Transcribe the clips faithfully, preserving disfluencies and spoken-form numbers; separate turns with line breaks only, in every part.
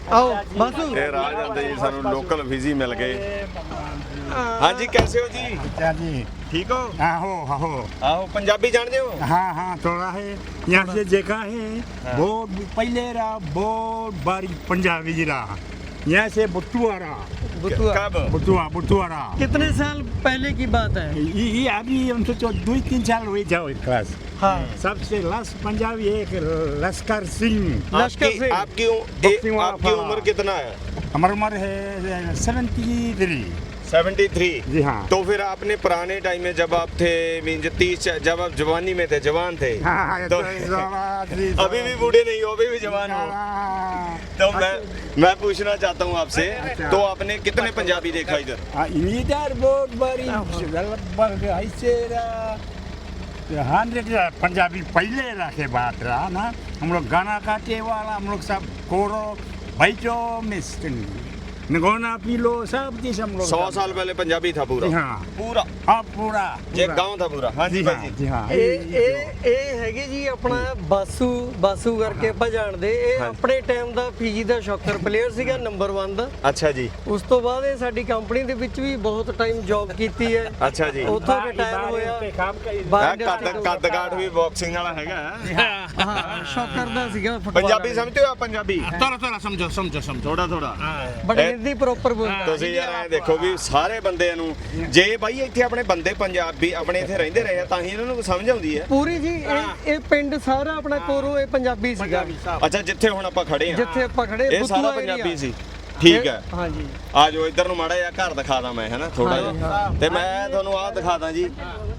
आओ बासु
ਇਹ ਰਾਹ ਜਾਂਦੇ ਜੀ ਸਾਨੂੰ ਲੋਕਲ ਫਿਜ਼ੀ ਮਿਲ ਗਏ। ਹਾਂਜੀ कैसे हो जी?
अच्छा जी।
ठीक हो?
हाँ हो हाँ हो
ਆਹੋ ਪੰਜਾਬੀ ਜਾਣਦੇ ਹੋ?
हाँ हाँ थोड़ा है यहाँ से देखा है बहुत पहले रहा बहुत बारी पंजाबी जी रहा यहाँ से बुट्टुआ रहा
बुतुआ
कब?
बुट्टुआ बुट्टुआ रहा
कितने साल पहले की बात है?
ये ये अभी हम तो दो तीन साल हुए जाओ क्लास
हाँ
सबसे लास्ट पंजाबी एक लश्कर सिंह
लश्कर
आपकी
से
आपकी उ-
बक्सिंग
ए-
वाला
आपकी
था।
उम्र कितना है?
हमारी उम्र है सेवेंटी थ्री
तिहत्तर।
जी हाँ
तो फिर आपने पुराने टाइम में जब आप थे मीन तीस जब आप जवानी में थे जवान थे
हाँ हाँ
तो अभी भी बूढ़े नहीं हो अभी भी जवान हो। तो मैं मैं पूछना चाहता हूँ आपसे तो आपने कितने पंजाबी देखा इधर?
इधर बहुत बड़ी लगभग ऐसे हंड्रेड पंजाबी पहले रखे बात रहा ना हम लोग गाना काटे वाला हम लोग सब कोरो बैठो मिस्टर नगोना पी लो सब चीज हम लोग
सौ साल पहले पंजाबी था पूरा?
जी हाँ
पूरा
हाँ पूरा
ये
पूरा।
गांव था पूरा? हाँ जी
जी हाँ
भाई जी।
जी हाँ
ਇਹ ਇਹ ਇਹ ਹੈਗੇ ਜੀ ਆਪਣਾ ਬਾਸੂ ਬਾਸੂ ਕਰਕੇ ਆਪਾਂ ਜਾਣਦੇ ਇਹ
ਹਾਂਜੀ।
ਆਪਣੇ ਟਾਈਮ ਦਾ ਫੀਜੀ ਦਾ ਸ਼ੌਕਰ ਪਲੇਅਰ ਸੀਗਾ ਨੰਬਰ ਇੱਕ ਦਾ।
अच्छा जी
ਉਸ ਤੋਂ ਬਾਅਦ ਇਹ ਸਾਡੀ ਕੰਪਨੀ ਦੇ ਵਿੱਚ ਵੀ ਬਹੁਤ ਟਾਈਮ ਜੌਬ ਕੀਤੀ ਹੈ
अच्छा जी।
ਉੱਥੋਂ ਰਿਟਾਇਰ ਹੋਇਆ
ਇਹ
ਬਾਹਰ
ਕੱਦ
industry
ਕੱਦ ਕਾਠ ਵੀ ਬਾਕਸਿੰਗ ਵਾਲਾ ਹੈਗਾ
ਤੋਂ- ਹਾਂ ਸ਼ੌਕਰ ਦਾ ਸੀਗਾ ਫੁੱਟਬਾਲ
ਪੰਜਾਬੀ ਸਮਝਦੇ ਹੋ? ਪੰਜਾਬੀ
थोड़ा थोड़ा समझो समझो समझो
ਥੋੜਾ ਥੋੜਾ
ਬਟ
ਇਹ-
ਹਿੰਦੀ ਪ੍ਰੋਪਰ ਬੋਲਦਾ
ਤੁਸੀਂ ਯਾਰ ਐ ਦੇਖੋ ਵੀ ਸਾਰੇ ਬੰਦਿਆਂ ਨੂੰ ਜੇ ਬਾਈ ਇੱਥੇ ਆਪਣੇ ਬੰਦੇ ਪੰਜਾਬੀ ਆਪਣੇ ਇੱਥੇ ਰਹਿੰਦੇ ਰਹੇ ਆ ਤਾਂ ਹੀ ਇਹਨਾਂ ਨੂੰ ਸਮਝ ਆਉਂਦੀ ਹੈ।
ਪੂਰੀ ਜੀ ਇਹ ਇਹ ਪਿੰਡ ਸਾਰਾ ਆਪਣਾ ਕੋਰੋ ਇਹ ਪੰਜਾਬੀ ਸੀਗਾ
ਅੱਛਾ ਜਿੱਥੇ ਹੁਣ ਆਪਾਂ ਖੜੇ ਆ
ਜਿੱਥੇ ਆਪਾਂ ਖੜੇ
ਇਹ ਸਾਰਾ
ਬੁੱਤੂਆ
ਪੰਜਾਬੀ
area।
ਸੀ। ਠੀਕ ਹੈ
ਹਾਂ ਜੀ
ਆ ਜਾਓ ਇੱਧਰ ਨੂੰ ਮਾੜਾ ਜਿਹਾ ਘਰ ਦਿਖਾ ਦਾਂ ਮੈਂ ਹੈਨਾ ਥੋੜਾ
ਹਾਂ,
ਜਿਹਾ
ਹਾਂ।
ਤੇ ਮੈਂ ਤੁਹਾਨੂੰ ਆਹ ਦਿਖਾ ਦਾਂ ਜੀ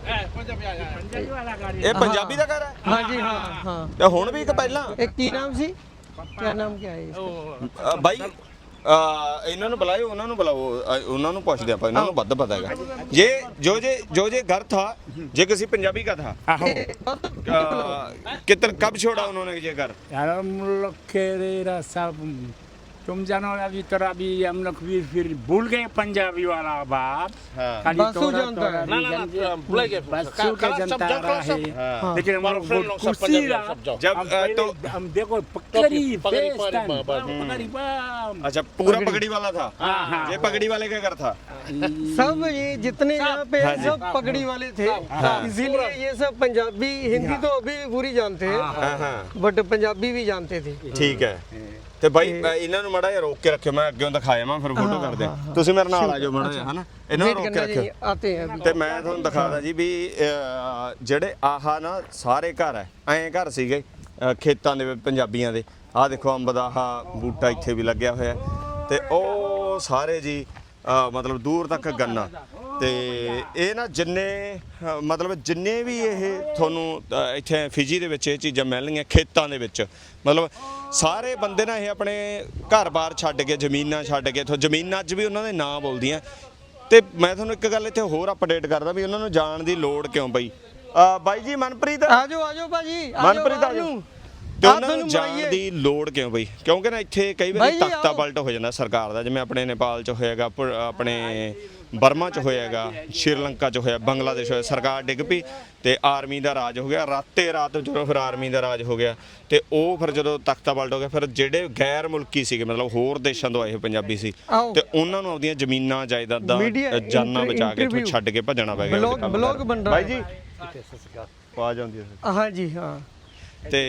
ਇਹ ਪੰਜਾਬੀ ਦਾ ਘਰ ਹੈ
ਹਾਂ ਜੀ ਹਾਂ ਹਾਂ
ਤੇ ਹੁਣ ਵੀ ਇੱਕ ਪਹਿਲਾਂ
ਇਹ ਕੀ ਨਾਮ ਸੀ ਕੀ ਨਾਮ ਕੀ ਹੈ ਇਸਦਾ?
ਅ, ਬਾਈ ਅ, ਇਹਨਾਂ ਨੂੰ ਬੁਲਾਇਓ ਉਹਨਾਂ ਨੂੰ ਬੁਲਾਓ ਅ, ਉਹਨਾਂ ਨੂੰ ਪੁੱਛਦੇ ਆਪਾਂ ਇਹਨਾਂ ਨੂੰ ਵੱਧ ਪਤਾ ਹੈਗਾ ये जो जे जो जे घर था ये किसी पंजाबी का था
आहो
अ, कितने कब छोड़ा उन्होंने ये घर?
यार हम लोग के रे सब तुम जानो अभी तो अभी हम लोग भी फिर भूल गए पंजाबी वाला बात
हाँ।
खाली
बासु
तोड़ा-
जानता है।
तोड़ा
ना, ना, ना,
रीजन-
भूल गए।
बासु के जनता रहा है
हाँ।
लेकिन हम लोग
फ्रेंड
बहुत
लोग सब
खुशी
पंजाबी
रहा
सब जाओ।
जब
हम
अ,
पहले
तो
हम देखो पकड़ी
पकड़ी,
face
पकड़ी,
time,
पकड़ी,
पकड़ी बम।
अच्छा पूरा पगड़ी वाला था?
हाँ, हाँ।
ये पगड़ी वाले का घर था?
सब ये जितने यहाँ पे
हाँ
हैं
जी।
सब पगड़ी वाले थे
हाँ।
इसीलिए ये सब पंजाबी हिंदी तो अभी भी पूरी जानते हैं
हाँ हाँ
बट पंजाबी भी जानते थे
ਠੀਕ ਹੈ ਤੇ ਬਾਈ ਮੈਂ ਇਹਨਾਂ ਨੂੰ ਮੜਾ ਜਿਹਾ ਰੋਕ ਕੇ ਰੱਖਿਓ ਮੈਂ ਅੱਗੇ ਦਿਖਾਇਆ ਮੈਂ ਫਿਰ ਫੋਟੋ ਕਰਦੇ ਤੁਸੀਂ ਮੇਰੇ ਨਾਲ ਆ ਜਾਓ ਮੜਾ ਜਿਹਾ ਹਨਾ ਇਹਨਾਂ ਨੂੰ
वेट
ਰੋਕ ਕੇ
करना
ਰੱਖਿਓ
जी आते हैं अभी
ਤੇ ਮੈਂ ਤੁਹਾਨੂੰ ਦਿਖਾਦਾ ਜੀ ਵੀ ਅਹ, ਜਿਹੜੇ ਆਹ ਨਾ ਸਾਰੇ ਘਰ ਐ ਐਂ ਘਰ ਸੀਗੇ ਅਹ, ਖੇਤਾਂ ਦੇ ਵਿੱਚ ਪੰਜਾਬੀਆਂ ਦੇ ਆਹ ਦੇਖੋ ਅੰਬ ਦਾ ਆਹ ਬੂਟਾ ਇੱਥੇ ਵੀ ਲੱਗਿਆ ਹੋਇਆ ਤੇ ਉਹ ਸਾਰੇ ਜੀ ਅਹ, ਮਤਲਬ ਦੂਰ ਤੱਕ ਗੰਨਾ ਤੇ ਇਹ ਨਾ ਜਿੰਨੇ ਅਹ, ਮਤਲਬ ਜਿੰਨੇ ਵੀ ਇਹ ਤੁਹਾਨੂੰ ਅਹ, ਇੱਥੇ ਫਿਜੀ ਦੇ ਵਿੱਚ ਇਹ ਚੀਜ਼ਾਂ ਮਿਲਣਗੀਆਂ ਖੇਤਾਂ ਦੇ ਵਿੱਚ ਮਤਲਬ ਸਾਰੇ ਬੰਦੇ ਨਾ ਇਹ ਆਪਣੇ ਘਰ-ਬਾਰ ਛੱਡ ਕੇ ਜ਼ਮੀਨਾਂ ਛੱਡ ਕੇ ਇੱਥੋਂ ਜ਼ਮੀਨਾਂ ਅੱਜ ਵੀ ਉਹਨਾਂ ਦੇ ਨਾਂ ਬੋਲਦੀਆਂ ਤੇ ਮੈਂ ਤੁਹਾਨੂੰ ਇੱਕ ਗੱਲ ਇੱਥੇ ਹੋਰ ਅਪਡੇਟ ਕਰਦਾ ਵੀ ਉਹਨਾਂ ਨੂੰ ਜਾਣ ਦੀ ਲੋੜ ਕਿਉਂ ਪਈ ਅਹ, ਬਾਈ ਜੀ ਮਨਪ੍ਰੀਤ
आ जाओ आ जाओ भाजी आ जाओ,
ਮਨਪ੍ਰੀਤ ਆ
आ
ਜਾਓ
जाओ।
ਤੇ
ਆਹ
ਉਹਨਾਂ ਨੂੰ
ਤੁਹਾਨੂੰ
ਜਾਣ
ਬੁਲਾਈਏ।
ਦੀ ਲੋੜ ਕਿਉਂ ਬਈ ਕਿਉਂਕਿ ਨਾ ਇੱਥੇ ਕਈ
ਬਾਈ
ਵਾਰੀ
ਜੀ,
ਤਖਤਾ
ਆਓ।
ਪਲਟ ਹੋ ਜਾਂਦਾ ਸਰਕਾਰ ਦਾ ਜਿਵੇਂ ਆਪਣੇ ਨੇਪਾਲ 'ਚ ਹੋਏਗਾ ਪ- ਆਪਣੇ ਬਰਮਾ 'ਚ ਹੋਏਗਾ ਸ਼੍ਰੀਲੰਕਾ 'ਚ ਹੋਇਆ ਬੰਗਲਾਦੇਸ਼ ਹੋਇਆ ਸਰਕਾਰ ਡਿੱਗ ਪਈ ਤੇ ਆਰਮੀ ਦਾ ਰਾਜ ਹੋ ਗਿਆ ਰਾਤੇ ਰਾਤ ਜਦੋਂ ਫਿਰ ਆਰਮੀ ਦਾ ਰਾਜ ਹੋ ਗਿਆ ਤੇ ਉਹ ਫਿਰ ਜਦੋਂ ਤਖਤਾ ਪਲਟ ਹੋ ਗਿਆ ਫਿਰ ਜਿਹੜੇ ਗੈਰ ਮੁਲਕੀ ਸੀਗੇ ਮਤਲਬ ਹੋਰ ਦੇਸ਼ਾਂ ਤੋਂ ਆਏ ਹੋਏ ਪੰਜਾਬੀ ਸੀ
ਆਓ।
ਤੇ ਉਹਨਾਂ ਨੂੰ ਆਪਦੀਆਂ ਜ਼ਮੀਨਾਂ ਜਾਇਦਾਦਾਂ
Media
ਅ, ਜਾਨਾਂ
inter-
ਬਚਾ ਕੇ ਇੱਥੋਂ
interview।
ਛੱਡ ਕੇ ਭੱਜਣਾ ਪੈ ਗਿਆ
ब्लॉग
ਉਹਦੇ ਕੰਮ
ब्लॉग
ਕਰ।
बन रहा
ਬਾਈ
है
ਜੀ ਆਵਾਜ਼ ਆਉਂਦੀ ਹੈ
हाँ जी हाँ
ਤੇ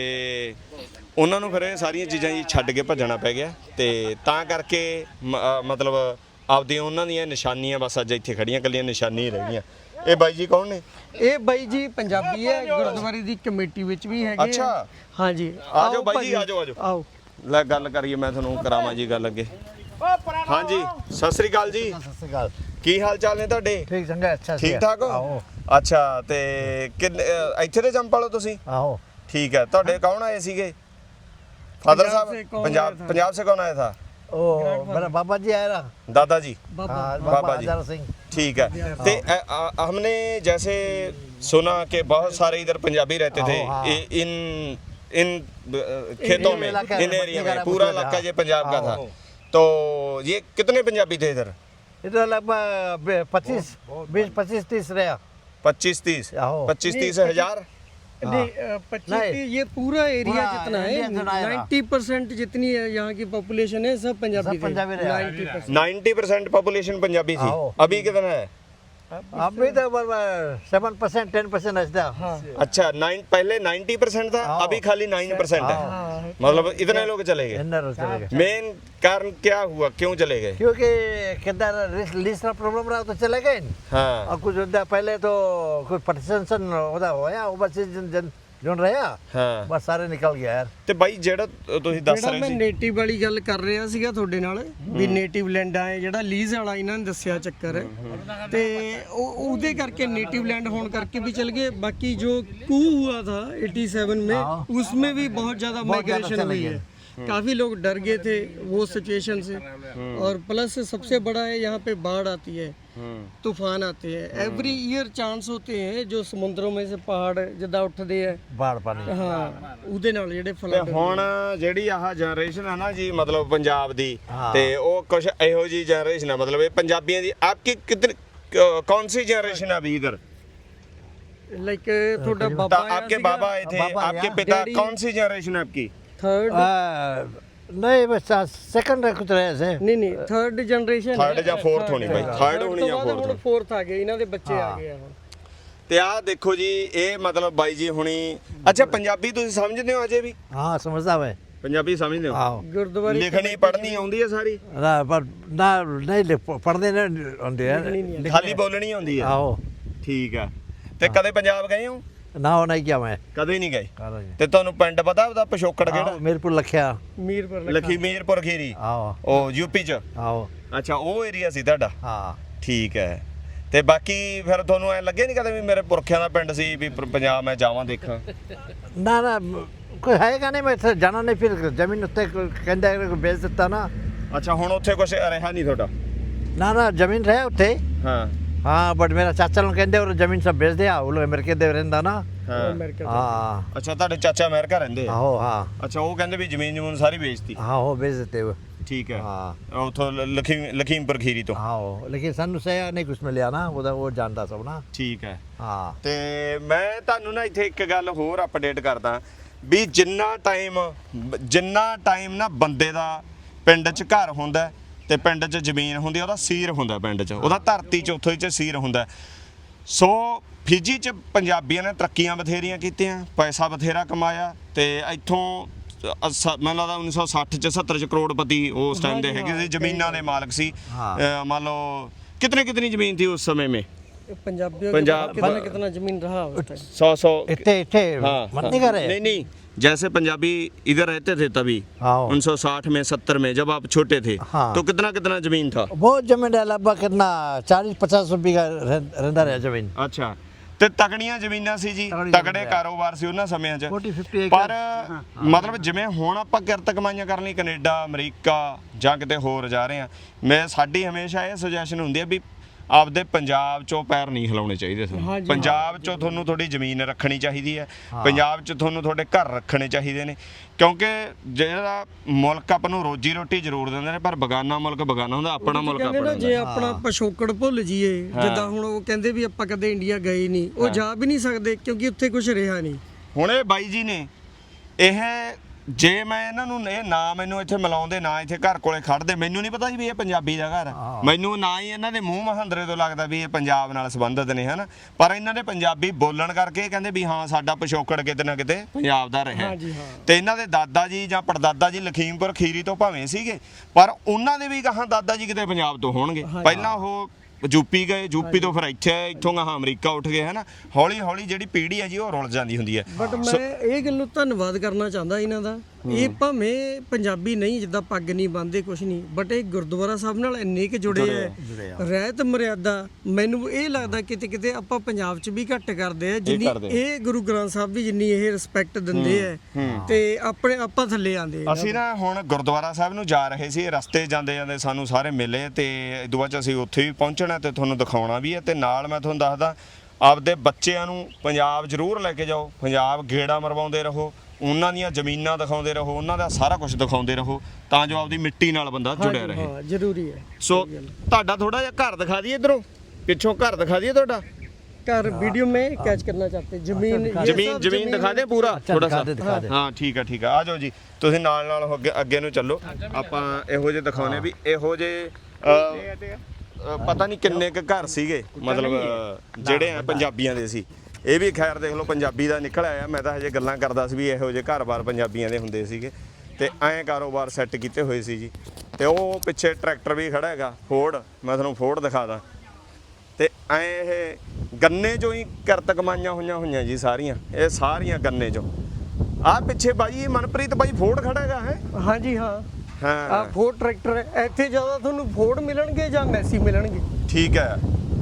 ਉਹਨਾਂ ਨੂੰ ਫਿਰ ਇਹ ਸਾਰੀਆਂ ਚੀਜ਼ਾਂ ਜੀ ਛੱਡ ਕੇ ਭੱਜਣਾ ਪੈ ਗਿਆ ਤੇ ਤਾਂ ਕਰਕੇ ਮ- ਅ, ਮਤਲਬ ਆਪਦੀਆਂ ਉਹਨਾਂ ਦੀਆਂ ਨਿਸ਼ਾਨੀਆਂ ਬਸ ਅੱਜ ਇੱਥੇ ਖੜੀਆਂ ਕੱਲੀਆਂ ਨਿਸ਼ਾਨੀ ਰਹਿ ਗਈਆਂ ਇਹ ਬਾਈ ਜੀ ਕੌਣ ਨੇ
ਇਹ ਬਾਈ ਜੀ ਪੰਜਾਬੀ ਹੈ ਗੁਰਦੁਆਰੇ ਦੀ ਕਮੇਟੀ ਵਿੱਚ ਵੀ ਹੈਗੇ ਆ।
ਅੱਛਾ।
ਹਾਂ ਜੀ
ਆ ਜਾਓ
ਆਓ
ਬਾਈ ਜੀ,
ਭਾਜੀ,
ਆ ਜਾਓ, ਆ ਜਾਓ।
ਆਓ
ਲੈ ਗੱਲ ਕਰੀਏ ਮੈਂ ਤੁਹਾਨੂੰ ਕਰਾਵਾਂ ਜੀ ਗੱਲ ਅੱਗੇ ਹਾਂਜੀ ਸਤਿ ਸ੍ਰੀ ਅਕਾਲ ਜੀ ਕੀ ਹਾਲ ਚਾਲ ਨੇ ਤੁਹਾਡੇ
ਠੀਕ ਚੰਗਾ ਅੱਛਾ
ਠੀਕ ਠਾਕ ਹੋ
ਆਓ
ਅੱਛਾ ਤੇ ਕਿੰਨੇ ਅ, ਇੱਥੇ ਦੇ ਜੰਪਾਲੋ ਤੁਸੀਂ
ਆਓ
ਠੀਕ ਹੈ ਤੁਹਾਡੇ ਕੌਣ ਆਏ ਸੀਗੇ ਫਾਦਰ
पंजाब से
ਸਾਹਿਬ
कौन
पंजाब
आया था?
पंजाब से कौन आया था
ओ मेरा बाबा जी आया रहा
दादाजी
बाबा
हाँ,
बाबा
बाबा
जी।
हजार सिंह
ठीक है ते अ, अ, हमने जैसे सुना कि बहुत सारे इधर पंजाबी रहते थे
हाँ।
इ- इन इन अ, खेतों में
इलाका
इन
में,
एरिया में
इलाका
पूरा
में,
इलाका
हाँ।
ये पंजाब का था
हाँ।
तो ये कितने पंजाबी थे इधर
इधर लगभग पच्चीस बीस पच्चीस तीस रहा
पच्चीस तीस
आहो।
पच्चीस तीस हजार
नहीं अ, पच्चीस
नहीं।
की ये पूरा एरिया
पूरा
जितना है
इंडिया जितना है ना।
नाइन्टी परसेंट जितनी है यहाँ की पॉपुलेशन है सब पंजाबी
सब पंजाबी रहे।
Ninety percent
ninety percent population Punjabi थी
आओ।
अभी कितना है
अभी तो सेवन परसेंट टेन परसेंट ऐसा
हाँ
अच्छा नाइन पहले नाइन्टी परसेंट था
आओ।
अभी खाली नाइन परसेंट है
हाँ
मतलब इतने लोग चले गए
इन्नर चले गए
मेन कारण क्या हुआ क्यों चले गए
क्योंकि किधर लिस्ट का प्रॉब्लम रहा तो चले गए
हाँ
और कुछ होता पहले तो कुछ पार्टीशन होता होया ओवरसीज जन जन जोन रहा
ਹਾਂ
बस सारे निकल गया यार
ਤੇ ਬਾਈ ਜਿਹੜਾ ਤੁਸੀਂ ਦੱਸ
ਜਿਹੜਾ
ਰਹੇ
ਮੈਂ
ਸੀ
ਨੇਟਿਵ ਵਾਲੀ ਗੱਲ ਕਰ ਰਿਹਾ ਸੀਗਾ ਤੁਹਾਡੇ ਨਾਲ ਵੀ ਨੇਟਿਵ ਲੈਂਡਾਂ ਹੈ ਜਿਹੜਾ ਲੀਜ਼ ਵਾਲਾ ਇਹਨਾਂ ਨੇ ਦੱਸਿਆ ਚੱਕਰ ਹੈ ਤੇ ਉਹ ਉਹਦੇ ਕਰਕੇ ਨੇਟਿव लैंड होने करके भी चल गए बाकी जो कू हुआ था सत्तासी में उसमें भी बहुत ज़्यादा माइग्रेशन हुई है काफ़ी लोग डर गए थे वो सिचुएशन से और प्लस सबसे बड़ा है यहाँ पे बाढ़ आती है तूफान आते हैं एवरी ईयर चांस होते हैं जो समुद्रों में से पहाड़ जिदा उठते हैं
बाढ़ पानी
हाँ ਉਹਦੇ ਨਾਲ ਜਿਹੜੇ
ਤੇ
ਫਲੱਡ
ਹੁਣ ਜਿਹੜੀ ਆਹ ਜਨਰੇਸ਼ਨ ਹੈ ਨਾ ਜੀ ਮਤਲਬ ਪੰਜਾਬ ਦੀ
ਹਾਂ।
ਤੇ ਉਹ ਕੁਝ ਇਹੋ ਜੀ ਜਨਰੇਸ਼ਨ ਹੈ ਮਤਲਬ ਇਹ ਪੰਜਾਬੀਆਂ ਦੀ ਆਪਕੀ ਕਿਤਨੀ कौन सी जनरेशन है अभी इधर
लाइक थोड़ा
तो
बाबा
आपके बाबा आए थे
बाबा
आपके
आया।
पिता
डैडी-
कौन सी जनरेशन है आपकी
थर्ड
नहीं बस सेकंड कुछ रहे से
ਨਹੀਂ ਨਹੀਂ ਥਰਡ ਜਨਰੇਸ਼ਨ
Third ਜਾਂ fourth ਹੋਣੀ ਬਾਈ, third ਹੋਣੀ ਜਾਂ fourth ਹੋਣੀ।
ਫੋਰਥ ਆ ਗਏ ਇਹਨਾਂ ਦੇ ਬੱਚੇ ਆ ਗਏ ਆ ਹੁਣ
ਤੇ ਆਹ ਦੇਖੋ ਜੀ ਇਹ ਮਤਲਬ ਬਾਈ ਜੀ ਹੁਣੀ ਅੱਛਾ ਪੰਜਾਬੀ ਤੁਸੀਂ ਸਮਝਦੇ ਹੋ ਅਜੇ ਵੀ
हाँ समझता मैं
ਪੰਜਾਬੀ ਸਮਝਦੇ ਹੋ
आओ
ਗੁਰਦੁਆਰੇ
ਲਿਖਣੀ ਪੜ੍ਹਨੀ ਆਉਂਦੀ ਹੈ ਸਾਰੀ
ना पर ना नहीं लिख- पढ़ने नहीं होते यार
ਖਾਲੀ ਬੋਲਣੀ ਆਉਂਦੀ ਹੈ
आओ
ਠੀਕ ਹੈ ਤੇ ਕਦੇ ਪੰਜਾਬ ਗਏ ਹੋ
ना हो नहीं किया मैं
ਕਦੇ ਨਹੀਂ ਗਏ
करो जी।
ਤੇ ਤੁਹਾਨੂੰ ਪਿੰਡ ਪਤਾ ਉਹਦਾ ਪਿਛੋਕੜ
आओ,
ਕਿਹੜਾ
मीरपुर लखिया
ਮੀਰਪੁਰ ਲੱਖਾ
ਲਖੀਮੀਰਪੁਰ ਖੀਰੀ
आओ
ਉਹ ਯੂਪੀ ਚ
आओ
ਅੱਛਾ ਉਹ ਏਰੀਆ ਸੀ ਤੁਹਾਡਾ
हाँ
ਠੀਕ ਹੈ ਤੇ ਬਾਕੀ ਫਿਰ ਤੁਹਾਨੂੰ ਐ ਲੱਗੇ ਨਹੀਂ ਕਦੇ ਵੀ ਮੇਰੇ ਪੁਰਖਿਆਂ ਦਾ ਪਿੰਡ ਸੀ ਵੀ ਪ- ਪੰਜਾਬ ਮੈਂ ਜਾਵਾਂ ਦੇਖਾਂ
ना ना कोई है का नहीं मैं इत्थे जाना नहीं फिर जमीन उत्ते कहता है बेच देता ना
ਅੱਛਾ ਹੁਣ ਉੱਥੇ ਕੁਝ ਰਿਹਾ ਨਹੀਂ ਤੁਹਾਡਾ
ना ना जमीन रहे उत्ते
ਹਾਂ
हाँ बट मेरा चाचा लोग कहते और जमीन सब बेच दिया वो लोग अमेरिका दे रहंदा ना
ਹਾਂ
ਅਮਰੀਕਾ
हाँ
ਅੱਛਾ ਤੁਹਾਡੇ ਚਾਚਾ ਅਮਰੀਕਾ ਰਹਿੰਦੇ ਆ
आओ हाँ
ਅੱਛਾ ਉਹ ਕਹਿੰਦੇ ਵੀ ਜ਼ਮੀਨ ਜਮੂਨ ਸਾਰੀ ਵੇਚਤੀ
हाँ वो बेच देते वो
ਠੀਕ ਹੈ
हाँ
ਉਥੋਂ ਲਖੀਮ ਲਖੀਮਪੁਰ ਖੀਰੀ ਤੋਂ
हाँ वो लेकिन सानू से नहीं कुछ मिलिया ना वो वो जानता सब ना
ਠੀਕ ਹੈ
हाँ
ਤੇ ਮੈਂ ਤੁਹਾਨੂੰ ਨਾ ਇੱਥੇ ਇੱਕ ਗੱਲ ਹੋਰ ਅਪਡੇਟ ਕਰਦਾ ਵੀ ਜਿੰਨਾ ਟਾਈਮ ਜਿੰਨਾ ਟਾਈਮ ਨਾ ਬੰਦੇ ਦਾ ਪਿੰਡ 'ਚ ਘਰ ਹੁੰਦਾ ਤੇ ਪਿੰਡ 'ਚ ਜ਼ਮੀਨ ਹੁੰਦੀ ਉਹਦਾ ਸੀਰ ਹੁੰਦਾ ਪਿੰਡ 'ਚ ਉਹਦਾ ਧਰਤੀ 'ਚ ਉੱਥੋਂ 'ਚ ਸੀਰ ਹੁੰਦਾ ਸੋ ਫਿਜੀ 'ਚ ਪੰਜਾਬੀਆਂ ਨੇ ਤਰੱਕੀਆਂ ਬਥੇਰੀਆਂ ਕੀਤੀਆਂ ਪੈਸਾ ਬਥੇਰਾ ਕਮਾਇਆ ਤੇ ਇੱਥੋਂ ਅ- ਮੈਨੂੰ ਲੱਗਦਾ ਉੱਨੀ ਸੌ ਸੱਠ 'ਚ ਸੱਤਰ 'ਚ ਕਰੋੜਪਤੀ ਉਸ ਟਾਈਮ ਦੇ ਹੈਗੇ ਸੀ ਜ਼ਮੀਨਾਂ ਦੇ ਮਾਲਕ ਸੀ
हाँ
ਅ, ਮੰਨ ਲਓ कितने कितनी जमीन थी उस समय में
पंजाबियों के
पंजाब-
पास कितना कितना जमीन रहा उस टाइम
सौ सौ
इतने इतने
हाँ,
मत
हाँ।
नहीं करे
नहीं नहीं जैसे पंजाबी इधर रहते थे तभी
हाँ
उन्नीस सौ साठ में सत्तर में जब आप छोटे थे
हाँ।
तो कितना कितना जमीन था
बहुत जमीन है लगभग कितना चालीस पचास बीघा रहता रहा जमीन
ਅੱਛਾ ਤੇ ਤਕੜੀਆਂ ਜ਼ਮੀਨਾਂ ਸੀ ਜੀ
ਤਕੜੀ
ਤਕੜੇ
ਜ਼ਮੀਨ ਆ।
ਕਾਰੋਬਾਰ ਸੀ ਉਹਨਾਂ ਸਮਿਆਂ 'ਚ
ਚਾਲੀ ਪਚਾਸ
ਪਰ ਮਤਲਬ ਜਿਵੇਂ ਹੁਣ ਆਪਾਂ ਕਿਰਤ ਕਮਾਈਆਂ ਕਰਨ ਲਈ ਕੈਨੇਡਾ ਅਮਰੀਕਾ ਜਾਂ ਕਿਤੇ ਹੋਰ ਜਾ ਰਹੇ ਆ ਮੈਂ ਸਾਡੀ ਹਮੇਸ਼ਾ ਇਹ ਸੁਜੈਸ਼ਨ ਹੁੰਦੀ ਹੈ ਵੀ ਆਪਦੇ ਪੰਜਾਬ 'ਚੋਂ ਪੈਰ ਨਹੀਂ ਹਿਲਾਉਣੇ ਚਾਹੀਦੇ ਤੁਹਾਨੂੰ
ਹਾਂਜੀ,
ਪੰਜਾਬ 'ਚੋਂ ਤੁਹਾਨੂੰ ਥੋੜੀ ਜ਼ਮੀਨ ਰੱਖਣੀ ਚਾਹੀਦੀ ਹੈ ਪੰਜਾਬ 'ਚ ਤੁਹਾਨੂੰ ਤੁਹਾਡੇ ਘਰ ਰੱਖਣੇ ਚਾਹੀਦੇ ਨੇ ਕਿਉਂਕਿ ਜਿਹੜਾ ਮੁਲਕ ਆਪਾਂ ਨੂੰ ਰੋਜੀ ਰੋਟੀ ਜ਼ਰੂਰ ਦਿੰਦੇ ਨੇ ਪਰ ਬਗਾਨਾ ਮੁਲਕ ਬਗਾਨਾ ਹੁੰਦਾ ਆਪਣਾ ਮੁਲਕ
ਕਹਿੰਦੇ
ਆਪਣਾ
ਨਾ
ਹੁੰਦਾ
ਜੇ ਆਪਣਾ ਪਿਛੋਕੜ ਭੁੱਲ ਜਾਈਏ ਜਿੱਦਾਂ ਹੁਣ ਉਹ ਕਹਿੰਦੇ ਵੀ ਆਪਾਂ ਕਦੇ ਇੰਡੀਆ ਗਏ ਨਹੀਂ ਉਹ ਜਾ ਵੀ ਨਹੀਂ ਸਕਦੇ ਕਿਉਂਕਿ ਉੱਥੇ ਕੁਝ ਰਿਹਾ ਨਹੀਂ
ਹੁਣ ਇਹ ਬਾਈ ਜੀ ਨੇ ਇਹ ਜੇ ਮੈਂ ਇਹਨਾਂ ਨੂੰ ਇਹ ਨਾ ਮੈਨੂੰ ਇੱਥੇ ਮਿਲਾਉਂਦੇ ਨਾ ਇੱਥੇ ਘਰ ਕੋਲੇ ਖੜਦੇ ਮੈਨੂੰ ਨਹੀਂ ਪਤਾ ਸੀ ਵੀ ਇਹ ਪੰਜਾਬੀ ਦਾ ਘਰ ਹੈ ਮੈਨੂੰ ਨਾ ਹੀ ਇਹਨਾਂ ਦੇ ਮੂੰਹ ਮਹੰਦਰੇ ਤੋਂ ਲੱਗਦਾ ਵੀ ਇਹ ਪੰਜਾਬ ਨਾਲ ਸੰਬੰਧਿਤ ਨੇ ਹਨਾ ਪਰ ਇਹਨਾਂ ਦੇ ਪੰਜਾਬੀ ਬੋਲਣ ਕਰਕੇ ਕਹਿੰਦੇ ਵੀ ਹਾਂ ਸਾਡਾ ਪਿਛੋਕੜ ਕਿਤੇ ਨਾ ਕਿਤੇ ਪੰਜਾਬ ਦਾ ਰਿਹਾ
ਹਾਂਜੀ ਹਾਂ
ਤੇ ਇਹਨਾਂ ਦੇ ਦਾਦਾ ਜੀ ਜਾਂ ਪੜਦਾਦਾ ਜੀ ਲਖੀਮਪੁਰ ਖੀਰੀ ਤੋਂ ਭਾਵੇਂ ਸੀਗੇ ਪਰ ਉਹਨਾਂ ਦੇ ਵੀ ਕਹਾਂ ਦਾਦਾ ਜੀ ਕਿਤੇ ਪੰਜਾਬ ਤੋਂ ਹੋਣਗੇ ਪਹਿਲਾਂ ਉਹ ਯੂਪੀ ਗਏ ਯੂਪੀ ਤੋਂ ਫਿਰ ਇੱਥੇ ਇੱਥੋਂ ਗਾਹਾਂ ਅਮਰੀਕਾ ਉੱਠ ਗਏ ਹਨਾ ਹੌਲੀ ਹੌਲੀ ਜਿਹੜੀ ਪੀੜ੍ਹੀ ਹੈ ਜੀ ਉਹ ਰੁਲ ਜਾਂਦੀ ਹੁੰਦੀ ਹੈ
ਬਟ ਮੈਂ ਇਹ ਗੱਲ ਨੂੰ ਧੰਨਵਾਦ ਕਰਨਾ ਚਾਹੁੰਦਾ ਇਹਨਾਂ ਦਾ ਇਹ ਭਾਵੇਂ ਪੰਜਾਬੀ ਨਹੀਂ ਜਿੱਦਾਂ ਪੱਗ ਨਹੀਂ ਬੰਨ੍ਹਦੇ ਕੁਛ ਨਹੀਂ ਬਟ ਇਹ ਗੁਰਦੁਆਰਾ ਸਾਹਿਬ ਨਾਲ ਇੰਨੇ ਕਿ ਜੁੜੇ ਐ ਰਹਿਤ ਮਰਿਆਦਾ ਮੈਨੂੰ ਇਹ ਲੱਗਦਾ ਕਿਤੇ ਕਿਤੇ ਆਪਾਂ ਪੰਜਾਬ 'ਚ ਵੀ ਘੱਟ ਕਰਦੇ ਆ ਜਿੰਨੀ ਇਹ ਗੁਰੂ ਗ੍ਰੰਥ ਸਾਹਿਬ ਵੀ ਜਿੰਨੀ ਇਹ ਰਿਸਪੈਕਟ ਦਿੰਦੇ ਐ ਤੇ ਆਪਣੇ ਆਪਾਂ ਥੱਲੇ ਆਂਦੇ ਆ
ਅਸੀਂ ਨਾ ਹੁਣ ਗੁਰਦੁਆਰਾ ਸਾਹਿਬ ਨੂੰ ਜਾ ਰਹੇ ਸੀ ਰਸਤੇ ਜਾਂਦੇ ਜਾਂਦੇ ਸਾਨੂੰ ਸਾਰੇ ਮਿਲੇ ਤੇ ਇਦੋਂ ਬਾਅਦ 'ਚ ਅਸੀਂ ਉੱਥੇ ਵੀ ਪਹੁੰਚਣਾ ਤੇ ਤੁਹਾਨੂੰ ਦਿਖਾਉਣਾ ਵੀ ਹੈ ਤੇ ਨਾਲ ਮੈਂ ਤੁਹਾਨੂੰ ਦੱਸਦਾ ਆਪਦੇ ਬੱਚਿਆਂ ਨੂੰ ਪੰਜਾਬ ਜ਼ਰੂਰ ਲੈ ਕੇ ਜਾਓ ਪੰਜਾਬ ਗੇੜਾ ਮਰਵਾਉਂਦੇ ਰਹੋ ਉਹਨਾਂ ਦੀਆਂ ਜ਼ਮੀਨਾਂ ਦਿਖਾਉਂਦੇ ਰਹੋ ਉਹਨਾਂ ਦਾ ਸਾਰਾ ਕੁਝ ਦਿਖਾਉਂਦੇ ਰਹੋ ਤਾਂ ਜੋ ਆਪਦੀ ਮਿੱਟੀ ਨਾਲ ਬੰਦਾ ਜੁੜਿਆ ਰਹੇ
ਹਾਂ ਜ਼ਰੂਰੀ ਹੈ
ਸੋ ਤੁਹਾਡਾ ਥੋੜਾ ਜਿਹਾ ਘਰ ਦਿਖਾ ਦਈਏ ਇਧਰੋਂ ਪਿੱਛੋਂ ਘਰ ਦਿਖਾ ਦਈਏ ਤੁਹਾਡਾ
कर वीडियो में कैच करना चाहते हैं जमीन ये
ਜ਼ਮੀਨ
सब
ਜ਼ਮੀਨ ਦਿਖਾ ਦੇ ਪੂਰਾ
अच्छा
ਥੋੜਾ
दिखा
ਸਾ
दे दिखा दे
ਹਾਂ ਠੀਕ ਆ ਠੀਕ ਆ ਆ ਜਾਓ ਜੀ ਤੁਸੀਂ ਨਾਲ ਨਾਲ ਅੱਗੇ ਅੱਗੇ ਨੂੰ ਚੱਲੋ ਆਪਾਂ ਇਹੋ ਜਿਹੇ ਦਿਖਾਉਣੇ ਵੀ ਇਹੋ ਜਿਹੇ ਅ, ਅ, ਪਤਾ ਨਹੀਂ ਕਿੰਨੇ ਕੁ ਘਰ ਸੀਗੇ ਮਤਲਬ ਅ, ਜਿਹੜੇ ਆ ਪੰਜਾਬੀਆਂ ਦੇ ਸੀ ਇਹ ਵੀ ਖੈਰ ਦੇਖ ਲਓ ਪੰਜਾਬੀ ਦਾ ਨਿਕਲ ਆਇਆ ਮੈਂ ਤਾਂ ਹਜੇ ਗੱਲਾਂ ਕਰਦਾ ਸੀ ਵੀ ਇਹੋ ਜਿਹੇ ਘਰ-ਬਾਰ ਪੰਜਾਬੀਆਂ ਦੇ ਹੁੰਦੇ ਸੀਗੇ ਤੇ ਐਂ ਕਾਰੋਬਾਰ ਸੈੱਟ ਕੀਤੇ ਹੋਏ ਸੀ ਜੀ ਤੇ ਉਹ ਪਿੱਛੇ ਟਰੈਕਟਰ ਵੀ ਖੜਾ ਹੈਗਾ ਫੋਰਡ ਮੈਂ ਤੁਹਾਨੂੰ ਫੋਰਡ ਦਿਖਾ ਦਾਂ ਤੇ ਐਂ ਇਹ ਗੰਨੇ ਚੋਂ ਹੀ ਕਿਰਤ ਕਮਾਈਆਂ ਹੋਈਆਂ ਹੋਈਆਂ ਜੀ ਸਾਰੀਆਂ ਇਹ ਸਾਰੀਆਂ ਗੰਨੇ ਚੋਂ ਆਹ ਪਿੱਛੇ ਬਾਈ ਮਨਪ੍ਰੀਤ ਬਾਈ ਫੋਰਡ ਖੜਾ ਹੈਗਾ ਹੈ
हाँ जी हाँ
ਹਾਂ
ਆ ਫੋਰਡ ਟਰੈਕਟਰ ਹੈ ਇੱਥੇ ਜ਼ਿਆਦਾ ਤੁਹਾਨੂੰ ਫੋਰਡ ਮਿਲਣਗੇ ਜਾਂ ਮੈਸੀ ਮਿਲਣਗੇ
ਠੀਕ ਹੈ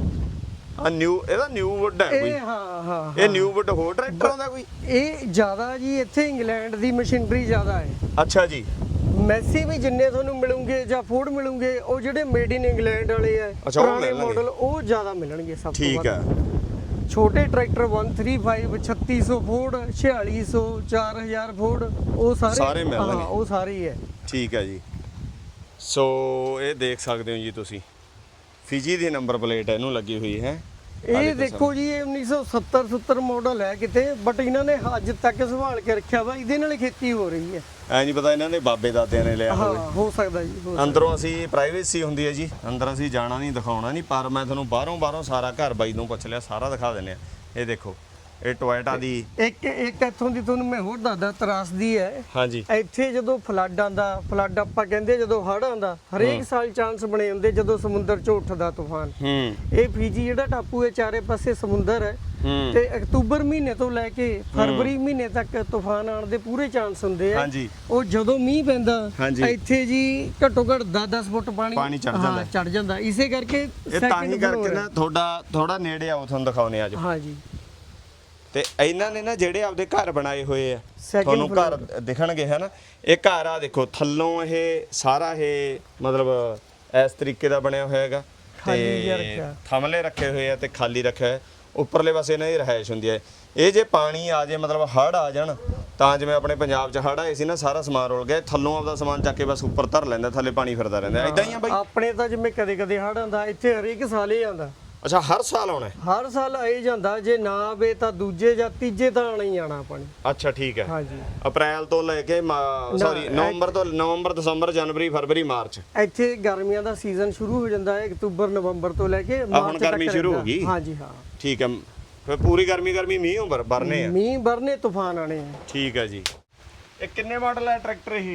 ਆ ਨਿਊ ਇਹਦਾ ਨਿਊ ਵੁੱਡ ਹੈ
ਇਹ
ਕੋਈ
ਹਾਂ ਹਾਂ
ਇਹ ਨਿਊ ਵੁੱਡ ਹੋਰ ਟਰੈਕਟਰ ਆਉਂਦਾ ਕੋਈ
ਇਹ ਜ਼ਿਆਦਾ ਜੀ ਇੱਥੇ ਇੰਗਲੈਂਡ ਦੀ ਮਸ਼ੀਨਰੀ ਜ਼ਿਆਦਾ ਹੈ
ਅੱਛਾ ਜੀ
ਮੈਸੀ ਵੀ ਜਿੰਨੇ ਤੁਹਾਨੂੰ ਮਿਲੂਗੇ ਜਾਂ ਫੋਰਡ ਮਿਲੂਗੇ ਉਹ ਜਿਹੜੇ ਮੇਡ ਇਨ ਇੰਗਲੈਂਡ ਵਾਲੇ ਆ
ਅੱਛਾ, ਉਹ
ਪੁਰਾਣੇ
ਮਿਲਣਗੇ।
ਮਾਡਲ ਉਹ ਜ਼ਿਆਦਾ ਮਿਲਣਗੇ ਸਭ ਤੋਂ
ਠੀਕ ਹੈ
ਵੱਧ ਛੋਟੇ ਟਰੈਕਟਰ ਇੱਕ ਸੌ ਪੈਂਤੀ ਛੱਤੀ ਸੌ ਫੋਰਡ ਛਿਆਲੀ ਸੌ ਚਾਰ ਹਜ਼ਾਰ ਫੋਰਡ ਉਹ ਸਾਰੇ
ਸਾਰੇ ਮਿਲਣਗੇ।
ਹਾਂ ਉਹ ਸਾਰੇ ਹੀ ਹੈ
ਠੀਕ ਹੈ ਜੀ ਸੋ ਇਹ ਦੇਖ ਸਕਦੇ ਹੋ ਜੀ ਤੁਸੀਂ ਫਿਜੀ ਦੀ ਨੰਬਰ ਪਲੇਟ ਇਹਨੂੰ ਲੱਗੀ ਹੋਈ ਹੈ
ਇਹ ਦੇਖੋ ਜੀ ਇਹ ਉੱਨੀ ਸੌ ਸੱਤਰ ਸੱਤਰ ਮਾਡਲ ਹੈ ਕਿਤੇ ਬਟ ਇਹਨਾਂ ਨੇ ਅੱਜ ਤੱਕ ਸੰਭਾਲ ਕੇ ਰੱਖਿਆ ਵਾ ਇਹਦੇ ਨਾਲ ਹੀ ਖੇਤੀ ਹੋ ਰਹੀ ਹੈ
ਐ ਨਹੀਂ ਪਤਾ ਇਹਨਾਂ ਦੇ ਬਾਬੇ ਦਾਦਿਆਂ ਨੇ ਲਿਆ
ਹਾਂ
ਹੋਵੇ
ਹੋ ਸਕਦਾ ਜੀ ਹੋ ਸਕਦਾ।
ਅੰਦਰੋਂ ਅਸੀਂ ਪ੍ਰਾਈਵੇਸੀ ਹੁੰਦੀ ਹੈ ਜੀ ਅੰਦਰ ਅਸੀਂ ਜਾਣਾ ਨਹੀਂ ਦਿਖਾਉਣਾ ਨਹੀਂ ਪਰ ਮੈਂ ਤੁਹਾਨੂੰ ਬਾਹਰੋਂ ਬਾਹਰੋਂ ਸਾਰਾ ਘਰ ਬਾਈ ਨੂੰ ਪੁੱਛ ਲਿਆ ਸਾਰਾ ਦਿਖਾ ਦਿੰਦੇ ਆ ਇਹ ਦੇਖੋ ਇਹ ਟੋਇਟਾ ਦੀ
ਇੱਕ ਇੱਕ ਇੱਥੋਂ ਦੀ ਤੁਹਾਨੂੰ ਮੈਂ ਹੋਰ ਦੱਸਦਾ ਤਰਾਸਦੀ ਹੈ
ਹਾਂਜੀ
ਇੱਥੇ ਜਦੋਂ ਫਲੱਡ ਆਂਦਾ ਫਲੱਡ ਆਪਾਂ ਕਹਿੰਦੇ ਜਦੋਂ ਹੜ੍ਹ ਆਂਦਾ ਹਰੇਕ ਸਾਲ ਚਾਂਸ ਬਣੇ ਹੁੰਦੇ ਜਦੋਂ ਸਮੁੰਦਰ ਚੋਂ ਉੱਠਦਾ ਤੂਫਾਨ
ਹੂੰ
ਇਹ ਫੀਜੀ ਜਿਹੜਾ ਟਾਪੂ ਹੈ ਚਾਰੇ ਪਾਸੇ ਸਮੁੰਦਰ ਹੈ
ਹੂੰ
ਤੇ ਅਕਤੂਬਰ ਮਹੀਨੇ ਤੋਂ ਲੈ ਕੇ ਫਰਵਰੀ ਮਹੀਨੇ ਤੱਕ ਤੂਫਾਨ ਆਉਣ ਦੇ ਪੂਰੇ ਚਾਂਸ ਹੁੰਦੇ ਆ
ਹਾਂਜੀ
ਉਹ ਜਦੋਂ ਮੀਂਹ ਪੈਂਦਾ
ਹਾਂਜੀ।
ਇੱਥੇ ਜੀ ਘੱਟੋ ਘੱਟ ਦਸ ਦਸ ਫੁੱਟ ਪਾਣੀ
ਪਾਣੀ ਚੜ੍ਹ ਜਾਂਦਾ ਹੈ।
ਚੜ ਜਾਂਦਾ ਇਸੇ ਕਰਕੇ
ਇਹ ਤਾਂ ਹੀ
second
ਕਰਕੇ
floor
ਨਾ
ਹੈ।
ਤੁਹਾਡਾ ਥੋੜਾ ਨੇੜੇ ਆਓ ਤੁਹਾਨੂੰ ਦਿਖਾਉਨੇ ਅੱਜ
ਹਾਂ ਜੀ
ਤੇ ਇਹਨਾਂ ਨੇ ਨਾ ਜਿਹੜੇ ਆਪਦੇ ਘਰ ਬਣਾਏ ਹੋਏ ਆ
Second
ਤੁਹਾਨੂੰ ਘਰ ਦਿਖਣਗੇ ਹੈ ਨਾ ਇਹ ਘਰ ਆ ਦੇਖੋ ਥੱਲੋਂ ਇਹ ਸਾਰਾ ਇਹ ਮਤਲਬ ਇਸ ਤਰੀਕੇ ਦਾ ਬਣਿਆ ਹੋਇਆ ਹੈਗਾ
ਖਾਲੀ ਜਿਹਾ ਰੱਖਿਆ।
ਥਮਲੇ ਰੱਖੇ ਹੋਏ ਆ ਤੇ ਖਾਲੀ ਰੱਖਿਆ ਹੈ ਉੱਪਰਲੇ ਪਾਸੇ ਇਹਨਾਂ ਦੀ ਰਿਹਾਇਸ਼ ਹੁੰਦੀ ਹੈ ਇਹ ਜੇ ਪਾਣੀ ਆ ਜੇ ਮਤਲਬ ਹੜ੍ਹ ਆ ਜਾਣ ਤਾਂ ਜਿਵੇਂ ਆਪਣੇ ਪੰਜਾਬ 'ਚ ਹੜ੍ਹ ਆਏ ਸੀ ਨਾ ਸਾਰਾ ਸਮਾਨ ਰੁਲ ਗਿਆ ਥੱਲੋਂ ਆਪਦਾ ਸਮਾਨ ਚੱਕ ਕੇ ਬਸ ਉੱਪਰ ਧਰ ਲੈਂਦਾ ਥੱਲੇ ਪਾਣੀ ਫਿਰਦਾ ਰਹਿੰਦਾ ਇਦਾਂ ਹੀ ਆ ਬਾਈ
ਆਪਣੇ ਤਾਂ ਜਿਵੇਂ ਕਦੇ ਕਦੇ ਹੜ੍ਹ ਆਂਦਾ ਇੱਥੇ ਹਰੇਕ ਸਾਲ ਹੀ ਆਂਦਾ
ਅੱਛਾ ਹਰ ਸਾਲ ਆਉਣਾ ਹੈ?
ਹਰ ਸਾਲ ਆਈ ਜਾਂਦਾ ਜੇ ਨਾ ਆਵੇ ਤਾਂ ਦੂਜੇ ਜਾਂ ਤੀਜੇ ਤਾਂ ਆਣਾ ਹੀ ਆਣਾ ਆਪਾਂ ਨੇ
ਅੱਛਾ ਠੀਕ ਹੈ
ਹਾਂਜੀ
ਅਪ੍ਰੈਲ ਤੋਂ ਲੈ ਕੇ ਸੌਰੀ ਨਵੰਬਰ ਤੋਂ ਨਵੰਬਰ ਦਸੰਬਰ ਜਨਵਰੀ ਫਰਵਰੀ ਮਾਰਚ
ਇੱਥੇ ਗਰਮੀਆਂ ਦਾ ਸੀਜ਼ਨ ਸ਼ੁਰੂ ਹੋ ਜਾਂਦਾ ਹੈ ਅਕਤੂਬਰ ਨਵੰਬਰ ਤੋਂ ਲੈ ਕੇ
ਹੁਣ
ਮਾਰਚ ਤੱਕ
ਗਰਮੀ ਸ਼ੁਰੂ
ਰਹਿੰਦਾ।
ਹੋ ਗਈ।
ਹਾਂਜੀ ਹਾਂ
ਠੀਕ ਹੈ ਫਿਰ ਪੂਰੀ ਗਰਮੀ ਗਰਮੀ ਮੀਂਹ ਉਮਰ ਵਰਨੇ ਆ
ਮੀਂਹ ਵਰਨੇ ਤੂਫਾਨ ਆਣੇ ਆ
ਠੀਕ ਹੈ ਜੀ ਇਹ ਕਿੰਨੇ ਮਾਡਲ ਹੈ ਟਰੈਕਟਰ ਇਹ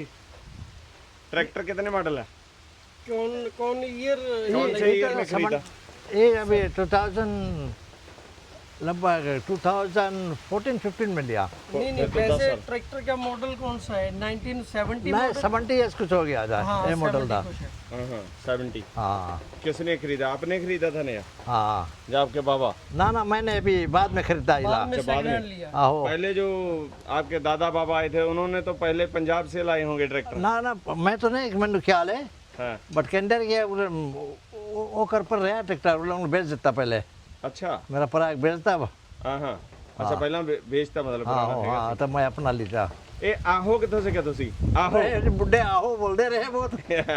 ਟਰੈक्टर कितने मॉडल है
कौन कौन ईयर
कौन से ईयर में खरीदा
ये अभी टू थाउजेंड लगभग टू थाउजेंड फोर्टीन फिफ्टीन में लिया
नहीं नहीं वैसे ट्रैक्टर का मॉडल कौन सा है नाइनटीन सेवेंटी
नहीं सेवेंटी ईयर्स कुछ हो गया था ये मॉडल था
हाँ हाँ सेवेंटी
हाँ
किसने खरीदा आपने खरीदा था नया
हाँ
या आपके बाबा
ना ना मैंने अभी बाद में खरीदा इला
बाद में
अच्छा, बाद
second
में।
hand लिया
आहो
पहले जो आपके दादा बाबा आए थे उन्होंने तो पहले पंजाब से लाए होंगे ट्रैक्टर
ना ना मैं तो नहीं मैंने ख्याल है
हाँ
बट केंडर के वो कर पर रहा ट्रैक्टर वो लोग बेच देता पहले
अच्छा
मेरा पराग बेचता अब
हाँ हाँ अच्छा पहला बे- बेचता मतलब
हाँ
पुराना
हाँ तो मैं अपना लीता
ए आहो कितों से क्या तुसी आहो
अरे बुढ़े आहो बोलते रहे बहुत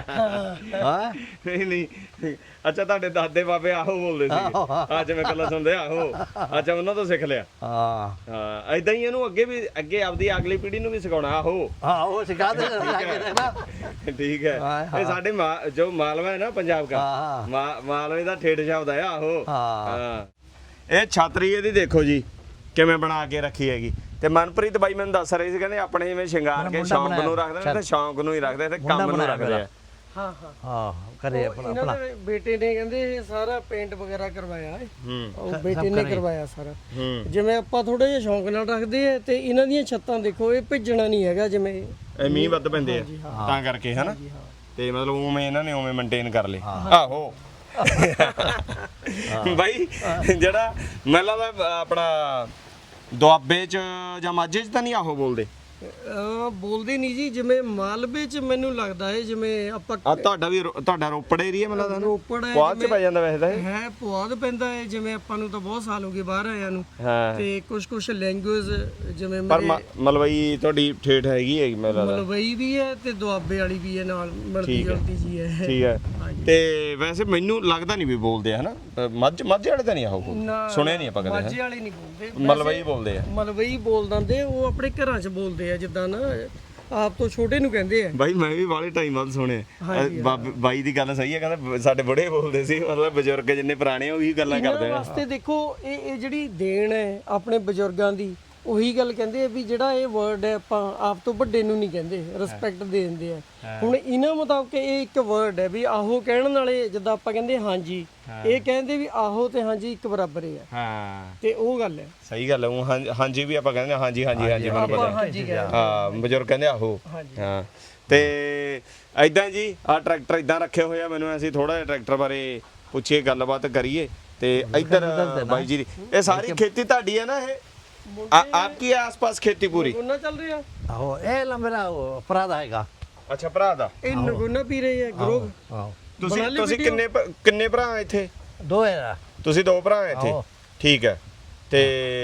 हाँ
ਨਹੀਂ ਨਹੀਂ ਅੱਛਾ ਤੁਹਾਡੇ ਦਾਦੇ ਬਾਬੇ ਆਹੋ ਬੋਲਦੇ ਸੀ ਅੱਜ ਮੈਂ ਕੱਲਾ ਸੁਣਦੇ ਆਹੋ ਅੱਛਾ ਉਹਨਾਂ ਤੋਂ ਸਿੱਖ ਲਿਆ
हाँ
ਹਾਂ ਐਦਾਂ ਹੀ ਇਹਨੂੰ ਅੱਗੇ ਵੀ ਅੱਗੇ ਆਪਦੀ ਅਗਲੀ ਪੀੜ੍ਹੀ ਨੂੰ ਵੀ ਸਿਖਾਉਣਾ ਆਹੋ
हाँ वो सिखा दे ना
ਠੀਕ ਹੈ
ਹਾਂ, ਹਾਂ।
ਇਹ ਸਾਡੇ ਮਾ- ਜੋ ਮਾਲਵਾ ਹੈ ਨਾ ਪੰਜਾਬ ਦਾ
हाँ हाँ
ਮਾ- ਮਾਲਵੇ ਦਾ ਠੇਠ ਸ਼ਬਦ ਹੈ ਆਹੋ
ਹਾਂ।
ਹਾਂ ਇਹ ਛਾਤਰੀ ਇਹਦੀ ਦੇਖੋ ਜੀ ਕਿਵੇਂ ਬਣਾ ਕੇ ਰੱਖੀ ਹੈਗੀ ਤੇ ਮਨਪ੍ਰੀਤ ਬਾਈ ਮੈਨੂੰ ਦੱਸ ਰਹੇ ਸੀ ਕਹਿੰਦੇ ਆਪਣੇ ਜਿਵੇਂ ਸ਼ਿੰਗਾਰ ਕੇ
ਮੁੰਡਾ
ਸ਼ੌਂਕ
ਬਣਾਇਆ।
ਨੂੰ ਰੱਖਦੇ ਨੇ ਤੇ ਸ਼ੌਂਕ ਨੂੰ ਹੀ ਰੱਖਦੇ ਤੇ
ਮੁੰਡਾ
ਕੰਮ ਨੂੰ
ਬਣਾਇਆ
ਰੱਖਦੇ ਆ
हाँ हाँ
हाँ करे
ਉਹ
अपना
ਇਹਨਾਂ
अपना
ਦੇ ਬੇਟੇ ਨੇ ਕਹਿੰਦੇ ਇਹ ਸਾਰਾ ਪੇਂਟ ਵਗੈਰਾ ਕਰਵਾਇਆ ਹੈ
ਹੂੰ
ਉਹ ਬੇਟੇ ਨੇ ਕਰਵਾਇਆ ਸਾਰਾ
ਹੂੰ
ਜਿਵੇਂ ਆਪਾਂ ਥੋੜਾ ਜਿਹਾ ਸ਼ੌਂਕ ਨਾਲ ਰੱਖਦੇ ਆ ਤੇ ਇਹਨਾਂ ਦੀਆਂ ਛੱਤਾਂ ਦੇਖੋ ਇਹ ਭਿੱਜਣਾ ਨਹੀਂ ਹੈਗਾ ਜਿਵੇਂ
ਇਹ ਮੀਂਹ ਵੱਧ ਪੈਂਦੇ ਆ ਤਾਂ ਕਰਕੇ ਹਨਾ ਤੇ ਮਤਲਬ ਉਵੇਂ ਇਹਨਾਂ ਨੇ ਉਵੇਂ ਮੇਨਟੇਨ ਕਰ ਲਏ ਆਹੋ ਬਾਈ ਜਿਹੜਾ ਮੈਨੂੰ ਲੱਗਦਾ ਆਪਣਾ ਦੁਆਬੇ ਚ ਜਾਂ ਮਾਝੇ ਚ ਤਾਂ ਨਹੀਂ ਆਹੋ ਬੋਲਦੇ
ਅਹ ਬੋਲਦੇ ਨਹੀਂ ਜੀ ਜਿਵੇਂ ਮਾਲਵੇ ਚ ਮੈਨੂੰ ਲੱਗਦਾ ਹੈ ਜਿਵੇਂ ਆਪਾਂ
ਆ ਤੁਹਾਡਾ ਵੀ ਰੋ- ਤੁਹਾਡਾ ਰੋਪੜ ਏਰੀਆ ਮੈਨੂੰ ਲੱਗਦਾ ਨਾ
ਰੋਪੜ ਹੈ
ਪੁਆਧ ਚ ਪੈ ਜਾਂਦਾ ਵੈਸੇ ਤਾਂ ਇਹ।
ਹੈ ਪੁਆਧ ਪੈਂਦਾ ਹੈ ਜਿਵੇਂ ਆਪਾਂ ਨੂੰ ਤਾਂ ਬਹੁਤ ਸਾਲ ਹੋ ਗਏ ਬਾਹਰ ਆਇਆਂ ਨੂੰ
ਹਾਂ
ਤੇ ਕੁਝ ਕੁਝ ਲੈਂਗੁਏਜ ਜਿਵੇਂ
ਪਰ
ਮੇਰੇ
ਮ- ਮਲਵਈ ਤੁਹਾਡੀ ਠੇਠ ਹੈਗੀ ਹੈ ਮੈਨੂੰ ਲੱਗਦਾ
ਮਲਵਈ ਵੀ ਹੈ ਤੇ ਦੁਆਬੇ ਵਾਲੀ ਵੀ ਹੈ ਨਾਲ ਮਿਲਦੀ
ਠੀਕ ਹੈ।
ਜੁਲਦੀ ਜੀ ਹੈ
ਠੀਕ ਹੈ ਤੇ ਵੈਸੇ ਮੈਨੂੰ ਲੱਗਦਾ ਨਹੀਂ ਵੀ ਬੋਲਦੇ ਆ ਹਨਾ ਅ, ਮੱਝ ਮੱਝ ਵਾਲੇ ਤਾਂ ਨਹੀਂ ਆਹੋ ਸੁਣਿਆ ਨਹੀਂ ਆਪਾਂ ਕਦੇ
ਮਾਝੇ ਵਾਲੇ ਨਹੀਂ ਬੋਲਦੇ
ਮਲਵਈ ਬੋਲਦੇ ਆ
ਮਲਵਈ ਬੋਲ ਦਿੰਦੇ ਉਹ ਆਪਣੇ ਘਰਾਂ 'ਚ ਬੋਲਦੇ ਆ ਜਿੱਦਾਂ ਨਾ ਆਪ ਤੋਂ ਛੋਟੇ ਨੂੰ ਕਹਿੰਦੇ ਆ
ਬਾਈ ਮੈਂ ਵੀ ਵਾਲੇ ਟਾਈਮ ਬਾਅਦ ਸੁਣਿਆ ਅ, ਬਾਬ- ਬਾਈ ਦੀ ਗੱਲ ਸਹੀ ਹੈ ਕਹਿੰਦਾ ਸਾਡੇ ਬੁੜੇ ਬੋਲਦੇ ਸੀ ਮਤਲਬ ਬਜ਼ੁਰਗ ਜਿੰਨੇ ਪੁਰਾਣੇ ਉਹੀ ਗੱਲਾਂ ਕਰਦੇ
ਇਹਨਾਂ
ਆ
ਵਾਸਤੇ ਦੇਖੋ ਇਹ ਇਹ ਜਿਹੜੀ ਦੇਣ ਹੈ ਆਪਣੇ ਬਜ਼ੁਰਗਾਂ ਦੀ ਉਹੀ ਗੱਲ ਕਹਿੰਦੇ ਆ ਵੀ ਜਿਹੜਾ ਇਹ ਵਰਡ ਹੈ ਆਪਾਂ ਆਪ ਤੋਂ ਵੱਡੇ ਨੂੰ ਨਹੀਂ ਕਹਿੰਦੇ ਰਿਸਪੈਕਟ ਦੇ ਦਿੰਦੇ ਆ ਹੁਣ ਇਹਨਾਂ ਮੁਤਾਬਕ ਇਹ ਇੱਕ ਵਰਡ ਹੈ ਵੀ ਆਹੋ ਕਹਿਣ ਵਾਲੇ ਜਿੱਦਾਂ ਆਪਾਂ ਕਹਿੰਦੇ ਹਾਂਜੀ ਇਹ ਕਹਿੰਦੇ ਵੀ ਆਹੋ ਤੇ ਹਾਂਜੀ ਇੱਕ ਬਰਾਬਰ ਹੀ ਆ
ਹਾਂ
ਤੇ ਉਹ ਗੱਲ ਹੈ
ਸਹੀ ਗੱਲ ਹੈ ਊਂ ਹਾਂ- ਹਾਂਜੀ ਵੀ ਆਪਾਂ ਕਹਿੰਦੇ ਹਾਂ, ਹਾਂਜੀ ਹਾਂਜੀ ਹਾਂਜੀ ਮੈਨੂੰ
ਆਪਾਂ
ਪਤਾ
ਹਾਂਜੀ ਕਹਿੰਦੇ
ਹਾਂ ਬਜ਼ੁਰਗ ਕਹਿੰਦੇ ਆਹੋ ਹਾਂ ਤੇ ਐਦਾਂ ਜੀ ਆ ਟਰੈਕਟਰ ਇਦਾਂ ਰੱਖੇ ਹੋਏ ਆ ਮੈਨੂੰ ਅਸੀਂ ਥੋੜਾ ਜਿਹਾ ਟਰੈਕਟਰ ਬਾਰੇ ਪੁੱਛੀਏ ਗੱਲਬਾਤ ਕਰੀਏ ਤੇ ਇੱਧਰ ਬਾਈ ਜੀ ਦੀ ਇਹ ਸਾਰੀ ਖੇਤੀ ਤੁਹਾਡੀ ਹੈ ਨਾ ਇਹ ਆ- ਆਪਕੀ ਆਸ-ਪਾਸ ਖੇਤੀ ਪੂਰੀ
ਨਗੋਨਾ ਚੱਲ ਰਿਹਾ
आहो ए ला मेरा वो अपराध आएगा
ਅੱਛਾ ਭਰਾ ਦਾ
ਇਹ ਨਗੋਨਾ ਪੀ ਰਹੇ ਆ ਗਰੋਗ
आहो
ਤੁਸੀਂ
ਬਣਾ ਲਈ
ਤੁਸੀਂ
video?
ਕਿੰਨੇ ਭ- ਕਿੰਨੇ ਭਰਾ ਆ ਇੱਥੇ
दो है
ਤੁਸੀਂ ਦੋ ਭਰਾ ਆ ਇੱਥੇ
ਆਹੋ।
ਠੀਕ ਹੈ ਤੇ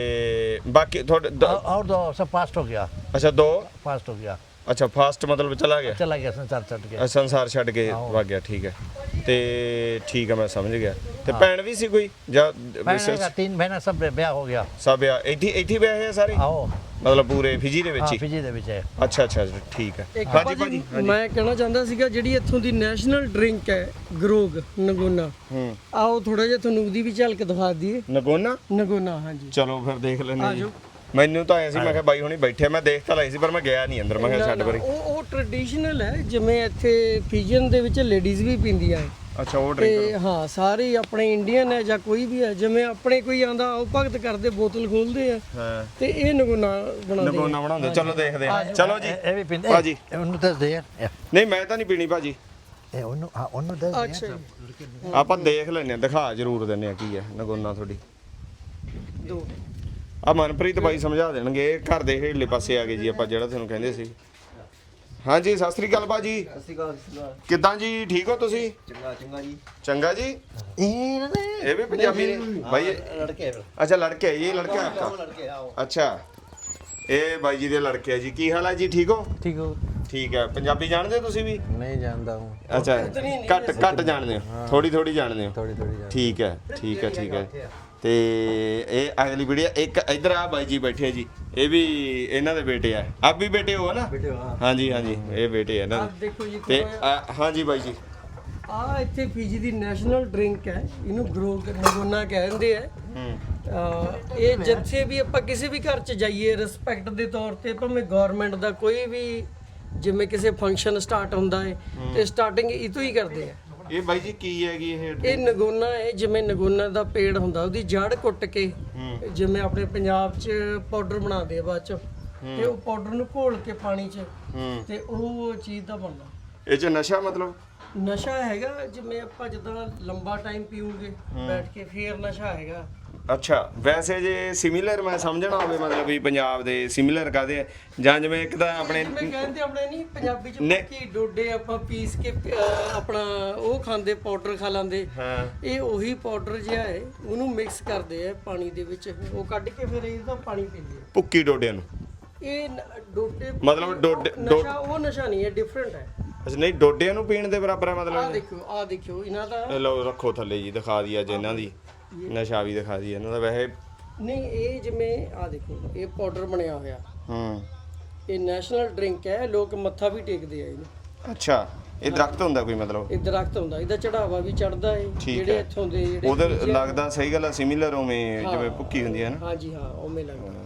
ਬਾਕੀ ਤੁਹਾਡੇ ਦ-
और और दो सब पास्ट हो गया
ਅੱਛਾ ਦੋ
पास्ट हो गया
ਅੱਛਾ ਫਾਸਟ ਮਤਲਬ ਚਲਾ ਗਿਆ
चला गया संसार चट गया
ਅ, ਸੰਸਾਰ ਛੱਡ ਕੇ
ਆਹੋ।
ਵਗ ਗਿਆ ਠੀਕ ਹੈ ਤੇ ਠੀਕ ਹੈ ਮੈਂ ਸਮਝ ਗਿਆ ਤੇ ਭੈਣ ਵੀ ਸੀ ਕੋਈ ਜਾਂ
मैंने कहा तीन महीना सब ब्याह हो गया
ਸਭ ਆ ਇੱਥੇ ਇੱਥੇ ਵਿਆਹੇ ਆ ਸਾਰੇ
आओ
ਮਤਲਬ ਪੂਰੇ ਫਿਜੀ ਦੇ ਵਿੱਚ
हाँ
ਹੀ
फिजी दे विच है
ਅੱਛਾ ਅੱਛਾ ਅੱਛਾ, ਠੀਕ ਹੈ
ਇੱਕ
ਹਾਂਜੀ
ਭਾਜੀ
ਭਾਜੀ
ਮੈਂ ਕਹਿਣਾ ਚਾਹੁੰਦਾ ਸੀਗਾ ਜਿਹੜੀ ਇੱਥੋਂ ਦੀ ਨੈਸ਼ਨਲ ਡਰਿੰਕ ਹੈ ਗਰੋਗ ਨਗੋਨਾ
ਹੂੰ
ਆਓ ਥੋੜਾ ਜਿਹਾ ਤੁਹਾਨੂੰ ਉਹਦੀ ਵੀ ਝਲਕ ਦਿਖਾ ਦਈਏ
ਨਗੋਨਾ
ਨਗੋਨਾ ਹਾਂਜੀ
ਚਲੋ ਫਿਰ ਦੇਖ ਲੈਂਦੇ ਹਾਂ ਜੀ
ਆਜੋ।
ਮੈਨੂੰ ਤਾਂ ਐ ਸੀ ਮੈਂ ਕਿਹਾ ਬਾਈ ਹੁਣੀ ਬੈਠੇ ਮੈਂ ਦੇਖ ਤਾਂ ਲਈ ਸੀ ਪਰ ਮੈਂ ਗਿਆ ਨਹੀਂ ਅੰਦਰ ਮੈਂ ਕਿਹਾ ਛੱਡ ਪਰੇ
ਉਹ ਉਹ ਟ੍ਰੈਡੀਸ਼ਨਲ ਹੈ ਜਿਵੇਂ ਇੱਥੇ ਫਿਜਨ ਦੇ ਵਿੱਚ ਲੇਡੀਜ਼ ਵੀ ਪੀਂਦੀਆਂ ਹੈ
ਅੱਛਾ ਉਹ ਡਰਿੰਕ
ਤੇ ਹਾਂ ਸਾਰੇ ਹੀ ਆਪਣੇ ਇੰਡੀਅਨ ਹੈ ਜਾਂ ਕੋਈ ਵੀ ਹੈ ਜਿਵੇਂ ਆਪਣੇ ਕੋਈ ਆਂਦਾ ਉਹ ਭਗਤ ਕਰਦੇ ਬੋਤਲ ਖੋਲਦੇ ਆ
ਹਾਂ
ਤੇ ਇਹ ਨਗੋਨਾ ਬਣਾਉਂਦੇ
ਨਗੋਨਾ ਬਣਾਉਂਦੇ ਚਲੋ ਦੇਖਦੇ ਹਾਂ ਚਲੋ ਜੀ
ए भी पिंड
ਭਾਜੀ
ए उन्नु दस दे यार ए
ਨਹੀਂ ਮੈਂ ਤਾਂ ਨਹੀਂ ਪੀਣੀ ਭਾਜੀ
ए उन्नु हां उन्नु दस
ਆ।
दे
ਅੱਛਾ ਜੀ,
ਆਪਾਂ ਦੇਖ ਲੈਂਦੇ ਹਾਂ ਦਿਖਾ ਜ਼ਰੂਰ ਦਿੰਦੇ ਆ ਕੀ ਹੈ ਨਗੋਨਾ ਤੁਹਾਡੀ
ਦੋ
ਆ ਮਨਪ੍ਰੀਤ ਬਾਈ ਸਮਝਾ ਦੇਣਗੇ ਇਹ ਘਰ ਦੇ ਹੇਠਲੇ ਪਾਸੇ ਆ ਗਏ ਜੀ ਆਪਾਂ ਜਿਹੜਾ ਤੁਹਾਨੂੰ ਕਹਿੰਦੇ ਸੀ ਹਾਂਜੀ ਸਤਿ ਸ੍ਰੀ ਅਕਾਲ ਬਾਜੀ
ਸਤਿ ਸ਼੍ਰੀ ਅਕਾਲ ਸਤਿ ਸ਼੍ਰੀ ਅਕਾਲ
ਕਿੱਦਾਂ ਜੀ ਠੀਕ ਹੋ ਤੁਸੀਂ
ਚੰਗਾ ਚੰਗਾ ਜੀ
ਚੰਗਾ ਜੀ
ए ना
ਇਹ ਵੀ ਪੰਜਾਬੀ ਨੇ ਬਾਈ ਇਹ-
ਲੜਕੇ ਫਿਰ
अच्छा लड़के है ये लड़का है आपका
ਲੜਕੇ ਆਓ
अच्छा ਇਹ ਬਾਈ ਜੀ ਦੇ ਲੜਕੇ ਆ ਜੀ ਕੀ ਹਾਲ ਹੈ ਜੀ ਠੀਕ ਹੋ
ठीक हो
ਠੀਕ ਹੈ ਪੰਜਾਬੀ ਜਾਣਦੇ ਹੋ ਤੁਸੀਂ ਵੀ
नहीं जानता हूँ
ਅੱਛਾ ਘੱਟ ਘੱਟ ਜਾਣਦੇ ਹੋ ਥੋੜੀ ਥੋੜੀ ਜਾਣਦੇ ਹੋ
थोड़ी थोड़ी जानता
ਠੀਕ ਹੈ ਠੀਕ ਹੈ ਠੀਕ ਹੈ ਤੇ ਇਹ ਅਗਲੀ ਵੀਡੀਓ ਇੱਕ ਇਧਰ ਆ ਬਾਈ ਜੀ ਬੈਠੇ ਆ ਜੀ ਇਹ ਵੀ ਇਹਨਾਂ ਦੇ ਬੇਟੇ ਆ ਆਪ ਵੀ ਬੇਟੇ ਹੋ ਨਾ ਹਾਂਜੀ ਹਾਂਜੀ ਇਹ ਬੇਟੇ ਆ ਇਹਨਾਂ
ਆਹ
ਦੇ
ਦੇਖੋ ਜੀ
ਤੇ ਆ, ਹਾਂਜੀ ਬਾਈ ਜੀ
ਆ ਇੱਥੇ ਫੀਜੀ ਦੀ ਨੈਸ਼ਨਲ ਡਰਿੰਕ ਹੈ ਇਹਨੂੰ ਗਰੋਗ ਨਗੋਨਾ ਕਹਿੰਦੇ ਆ
ਹੂੰ
ਅਹ ਇਹ ਜਿੱਥੇ ਵੀ ਆਪਾਂ ਕਿਸੇ ਵੀ ਘਰ 'ਚ ਜਾਈਏ ਰਿਸਪੈਕਟ ਦੇ ਤੌਰ ਤੇ ਭਾਵੇਂ ਗਵਰਨਮੈਂਟ ਦਾ ਕੋਈ ਵੀ ਜਿਵੇਂ ਕਿਸੇ ਫੰਕਸ਼ਨ ਸਟਾਰਟ ਹੁੰਦਾ ਹੈ ਤੇ ਸਟਾਰਟਿੰਗ ਇਹ ਤੋਂ ਹੀ ਕਰਦੇ ਆ
ਇਹ ਬਾਈ ਜੀ ਕੀ ਹੈਗੀ ਇਹ
ਇਹ ਨਗੋਨਾ ਹੈ ਜਿਵੇਂ ਨਗੋਨਾ ਦਾ ਪੇੜ ਹੁੰਦਾ ਉਹਦੀ ਜੜ ਕੁੱਟ ਕੇ ਜਿਵੇਂ ਆਪਣੇ ਪੰਜਾਬ 'ਚ ਪਾਊਡਰ ਬਣਾਉਂਦੇ ਆ ਬਾਅਦ 'ਚ ਤੇ ਉਹ ਪਾਊਡਰ ਨੂੰ ਘੋਲ ਕੇ ਪਾਣੀ 'ਚ
ਹੂੰ
ਤੇ ਉਹ ਚੀਜ਼ ਦਾ ਬਣਦਾ
ਇਹ ਚ ਨਸ਼ਾ ਮਤਲਬ
ਨਸ਼ਾ ਹੈਗਾ ਜਿਵੇਂ ਆਪਾਂ ਜਿੱਦਾਂ ਲੰਬਾ ਟਾਈਮ ਪੀਉਂਗੇ ਬੈਠ ਕੇ ਫੇਰ ਨਸ਼ਾ ਹੈਗਾ
ਅੱਛਾ ਵੈਸੇ ਜੇ ਸਿਮਿਲਰ ਮੈਂ ਸਮਝਣਾ ਹੋਵੇ ਮਤਲਬ ਵੀ ਪੰਜਾਬ ਦੇ ਸਿਮਿਲਰ ਕਾਦੇ ਆ ਜਾਂ ਜਿਵੇਂ ਇੱਕ ਤਾਂ ਆਪਣੇ
ਜਿਵੇਂ ਕਹਿੰਦੇ ਆਪਣੇ ਨਹੀਂ ਪੰਜਾਬੀ ਚ
ਨੇ-
ਕੀ ਡੋਡੇ ਆਪਾਂ ਪੀਸ ਕੇ ਅਹ, ਆਪਣਾ ਉਹ ਖਾਂਦੇ ਪਾਊਡਰ ਖਾ ਲਾਂਦੇ
ਹਾਂ
ਇਹ ਉਹੀ ਪਾਊਡਰ ਜਿਹਾ ਹੈ ਉਹਨੂੰ ਮਿਕਸ ਕਰਦੇ ਆ ਪਾਣੀ ਦੇ ਵਿੱਚ ਉਹ ਕੱਢ ਕੇ ਫਿਰ ਇਹਦਾ ਪਾਣੀ ਪੀਂਦੇ ਆ
ਭੁੱਕੀ ਡੋਡਿਆਂ ਨੂੰ
ਇਹ ਨ- ਡੋਡੇ
ਮਤਲਬ ਡੋਡੇ-
ਉਹ
ਡੋ-
ਨਸ਼ਾ ਉਹ ਨਸ਼ਾ ਨਹੀਂ ਹੈ ਡਿਫਰੈਂਟ ਹੈ
ਅੱਛਾ ਨਹੀਂ ਡੋਡਿਆਂ ਨੂੰ ਪੀਣ ਦੇ ਬਰਾਬਰ ਹੈ
ਆਹ
ਮਤਲਬ
ਦੇਖੋ ਆਹ ਦੇਖਿਓ ਇਹਨਾਂ ਦਾ
ਇਹ ਲਓ ਰੱਖੋ ਥੱਲੇ ਜੀ ਦਿਖਾ ਦਈਏ ਅੱਜ ਇਹਨਾਂ ਦੀ ਨਸ਼ਾ ਵੀ ਦਿਖਾ ਦਈਏ ਇਹਨਾਂ ਦਾ ਵੈਸੇ
ਨਹੀਂ ਇਹ ਜਿਵੇਂ ਆਹ ਦੇਖੋ ਇਹ ਪਾਊਡਰ ਬਣਿਆ ਹੋਇਆ
ਹੂੰ
ਇਹ ਨੈਸ਼ਨਲ ਡਰਿੰਕ ਹੈ ਲੋਕ ਮੱਥਾ ਵੀ ਟੇਕਦੇ ਆ ਇਹਨੂੰ
ਅੱਛਾ ਇਹ ਦਰਖਤ ਹੁੰਦਾ ਕੋਈ ਮਤਲਬ
ਇਹ ਦਰਖਤ ਹੁੰਦਾ ਇਹਦਾ ਚੜਾਵਾ ਵੀ ਚੜਦਾ ਹੈ
ਠੀਕ
ਜਿਹੜੇ
ਹੈ।
ਇੱਥੋਂ ਦੇ ਜਿਹੜੇ
ਉਹਦੇ
ਬੀਜ ਆ-
ਲੱਗਦਾ ਸਹੀ ਗੱਲ ਆ ਸਿਮਿਲਰ ਉਵੇਂ ਜਿਵੇਂ ਭੁੱਕੀ ਹੁੰਦੀ ਹੈ ਨਾ
ਹਾਂਜੀ ਹਾਂ ਉਵੇਂ ਲੱਗਦਾ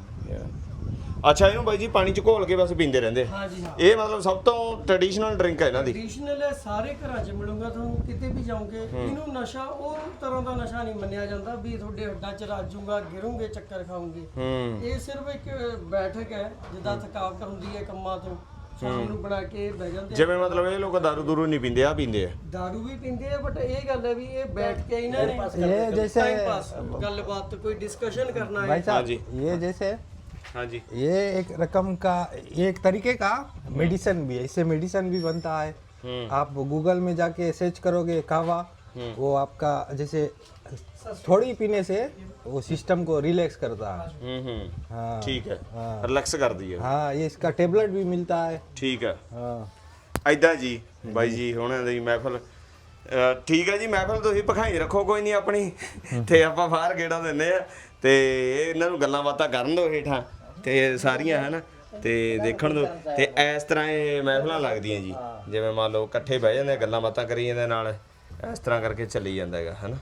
ਅੱਛਾ ਇਹਨੂੰ ਬਾਈ ਜੀ ਪਾਣੀ ਚ ਘੋਲ ਕੇ ਬਸ ਪੀਂਦੇ ਰਹਿੰਦੇ ਆ।
ਹਾਂਜੀ ਹਾਂ
ਇਹ ਮਤਲਬ ਸਭ ਤੋਂ ਟ੍ਰੈਡੀਸ਼ਨਲ ਡਰਿੰਕ ਹੈ ਇਹਨਾਂ ਦੀ
ਟ੍ਰੈਡੀਸ਼ਨਲ ਹੈ ਸਾਰੇ ਘਰਾਂ 'ਚ ਮਿਲੂਗਾ ਤੁਹਾਨੂੰ ਕਿਤੇ ਵੀ ਜਾਓਗੇ ਇਹਨੂੰ ਨਸ਼ਾ ਉਹ ਤਰ੍ਹਾਂ ਦਾ ਨਸ਼ਾ ਨਹੀਂ ਮੰਨਿਆ ਜਾਂਦਾ ਵੀ ਤੁਹਾਡੇ ਹੱਡਾਂ 'ਚ ਰਾਜੂਗਾ ਗਿਰੋਗੇ ਚੱਕਰ ਖਾਓਗੇ
ਹੂੰ
ਇਹ ਸਿਰਫ ਇੱਕ ਬੈਠਕ ਹੈ ਜਿੱਦਾਂ ਥਕਾਵਟ ਹੁੰਦੀ ਹੈ ਕੰਮਾਂ ਤੋਂ ਸ਼ਾਮ ਨੂੰ ਬਣਾ ਕੇ ਬਹਿ ਜਾਂਦੇ ਆ।
ਜਿਵੇਂ ਮਤਲਬ ਇਹ ਲੋਕ ਦਾਰੂ ਦੂਰੂ ਨਹੀਂ ਪੀਂਦੇ ਆ ਪੀਂਦੇ ਆ
ਦਾਰੂ ਵੀ ਪੀਂਦੇ ਆ ਬਟ ਇਹ ਗੱਲ ਹੈ ਵੀ ਇਹ ਬੈਠ ਕੇ ਇਹਨਾਂ ਨੇ
ये जैसे
ਟਾਈਮ ਪਾਸ ਗੱਲਬਾਤ ਕੋਈ ਡਿਸਕਸ਼ਨ ਕਰਨਾ ਹੈ
भाई
हाँ
साहब
जी।
ये जैसे
ਹਾਂਜੀ
ये एक रकम का ये एक तरीके का मेडिसिन भी है, इससे मेडिसिन भी बनता है। आप गूगल में जाके सर्च करोगे कहवा, वो आपका जैसे थोड़ी पीने से वो सिस्टम को रिलैक्स करता है।
ਹੂੰ ਹੂੰ
हाँ
ਠੀਕ ਹੈ ਰਿਲੈਕਸ ਕਰਦੀ ਹੈ
हाँ ये इसका टेबलेट भी मिलता है।
ਠੀਕ ਹੈ
हाँ
ਐਦਾਂ ਜੀ ਬਾਈ ਜੀ ਹੁਣਾਂ ਦੀ ਮਹਿਫਲ ਅਹ ਠੀਕ ਹੈ ਜੀ ਮਹਿਫਲ ਤੁਸੀਂ ਭਖਾਈ ਰੱਖੋ ਕੋਈ ਨਹੀਂ ਆਪਣੀ ਤੇ ਆਪਾਂ ਬਾਹਰ ਗੇੜਾ ਦਿੰਦੇ ਆ ਤੇ ਇਹਨਾਂ ਨੂੰ ਗੱਲਾਂ ਬਾਤਾਂ ਕਰਨ ਦਿਓ ਹੇਠਾਂ ਤੇ ਸਾਰੀਆਂ ਹਨ ਤੇ ਦੇਖਣ ਦਿਓ ਤੇ ਇਸ ਤਰ੍ਹਾਂ ਇਹ ਮਹਿਫਲਾਂ ਲੱਗਦੀਆਂ ਜੀ ਜਿਵੇਂ ਮੰਨ ਲਓ ਇਕੱਠੇ ਬਹਿ ਜਾਂਦੇ ਗੱਲਾਂ ਬਾਤਾਂ ਕਰੀ ਜਾਂਦੇ ਨਾਲ ਇਸ ਤਰ੍ਹਾਂ ਕਰਕੇ ਚੱਲੀ ਜਾਂਦਾ ਹੈਗਾ ਹਨਾ।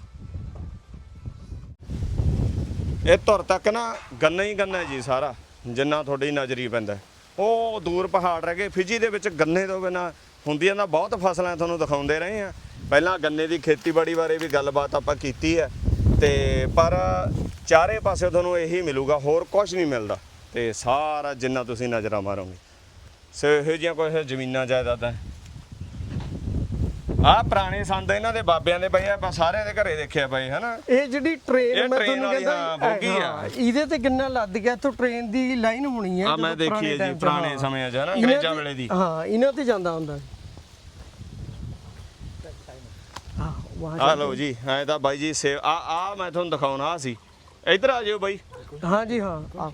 ਇਹ ਧੁਰ ਤੱਕ ਨਾ ਗੰਨਾ ਹੀ ਗੰਨਾ ਜੀ ਸਾਰਾ ਜਿੰਨਾ ਤੁਹਾਡੀ ਨਜ਼ਰੀ ਪੈਂਦਾ ਉਹ ਦੂਰ ਪਹਾੜ ਰਹਿ ਗਏ। ਫਿਜੀ ਦੇ ਵਿੱਚ ਗੰਨੇ ਤੋਂ ਬਿਨਾਂ ਹੁੰਦੀਆਂ ਤਾਂ ਬਹੁਤ ਫਸਲਾਂ ਤੁਹਾਨੂੰ ਦਿਖਾਉਂਦੇ ਰਹੇ ਆ ਪਹਿਲਾਂ ਗੰਨੇ ਦੀ ਖੇਤੀਬਾੜੀ ਬਾਰੇ ਵੀ ਗੱਲਬਾਤ ਆਪਾਂ ਕੀਤੀ ਹੈ ਤੇ ਪਰ ਚਾਰੇ ਪਾਸੇ ਤੁਹਾਨੂੰ ਇਹੀ ਮਿਲੂਗਾ ਹੋਰ ਕੁਝ ਨਹੀਂ ਮਿਲਦਾ ਤੇ ਸਾਰਾ ਜਿੰਨਾ ਤੁਸੀਂ ਨਜ਼ਰਾਂ ਮਾਰੋਗੇ ਸੋ ਇਹੋ ਜਿਹੀਆਂ ਕੁਝ ਜ਼ਮੀਨਾਂ ਜਾਇਦਾਦਾਂ ਆ ਪੁਰਾਣੇ ਸੰਦ ਇਹਨਾਂ ਦੇ ਬਾਬਿਆਂ ਦੇ ਪਏ ਆ ਆਪਾਂ ਸਾਰਿਆਂ ਦੇ ਘਰੇ ਦੇਖਿਆ ਪਏ ਹਨਾ।
ਇਹ ਜਿਹੜੀ ਟ੍ਰੇਨ
ਇਹ
ਮੈਂ
train
ਤੁਹਾਨੂੰ
ਵਾਲੀ, ਹਾਂ, ਬੋਗੀ ਆ।
ਹਾਂ, ਇਹਦੇ ਤੇ ਗੰਨਾ ਲੱਦ ਗਿਆ ਇੱਥੋਂ ਟ੍ਰੇਨ ਦੀ ਲਾਈਨ ਹੋਣੀ ਹੈ
ਆ ਮੈਂ
ਜਦੋਂ
ਦੇਖੀ ਹੈ ਜੀ
time 'ਚ,
ਪੁਰਾਣੇ
ਹਾਂ।
ਸਮਿਆਂ 'ਚ ਹਨਾ
ਇਹਨਾਂ
ਅੰਗਰੇਜ਼ਾਂ
ਤੇ-
ਵੇਲੇ ਦੀ।
ਹਾਂ ਇਹਨਾਂ ਤੇ ਜਾਂਦਾ ਹੁੰਦਾ ਹਾਂ ਵਾਹ
ਆ ਲਓ ਜੀ ਐ ਤਾਂ ਬਾਈ ਜੀ ਸੇ ਆ ਆ ਮੈਂ ਤੁਹਾਨੂੰ ਦਿਖਾਉਣਾ ਆ ਸੀ ਇੱਧਰ ਆ ਜਿਓ ਬਾਈ
ਹਾਂ ਜੀ ਹਾਂ ਆ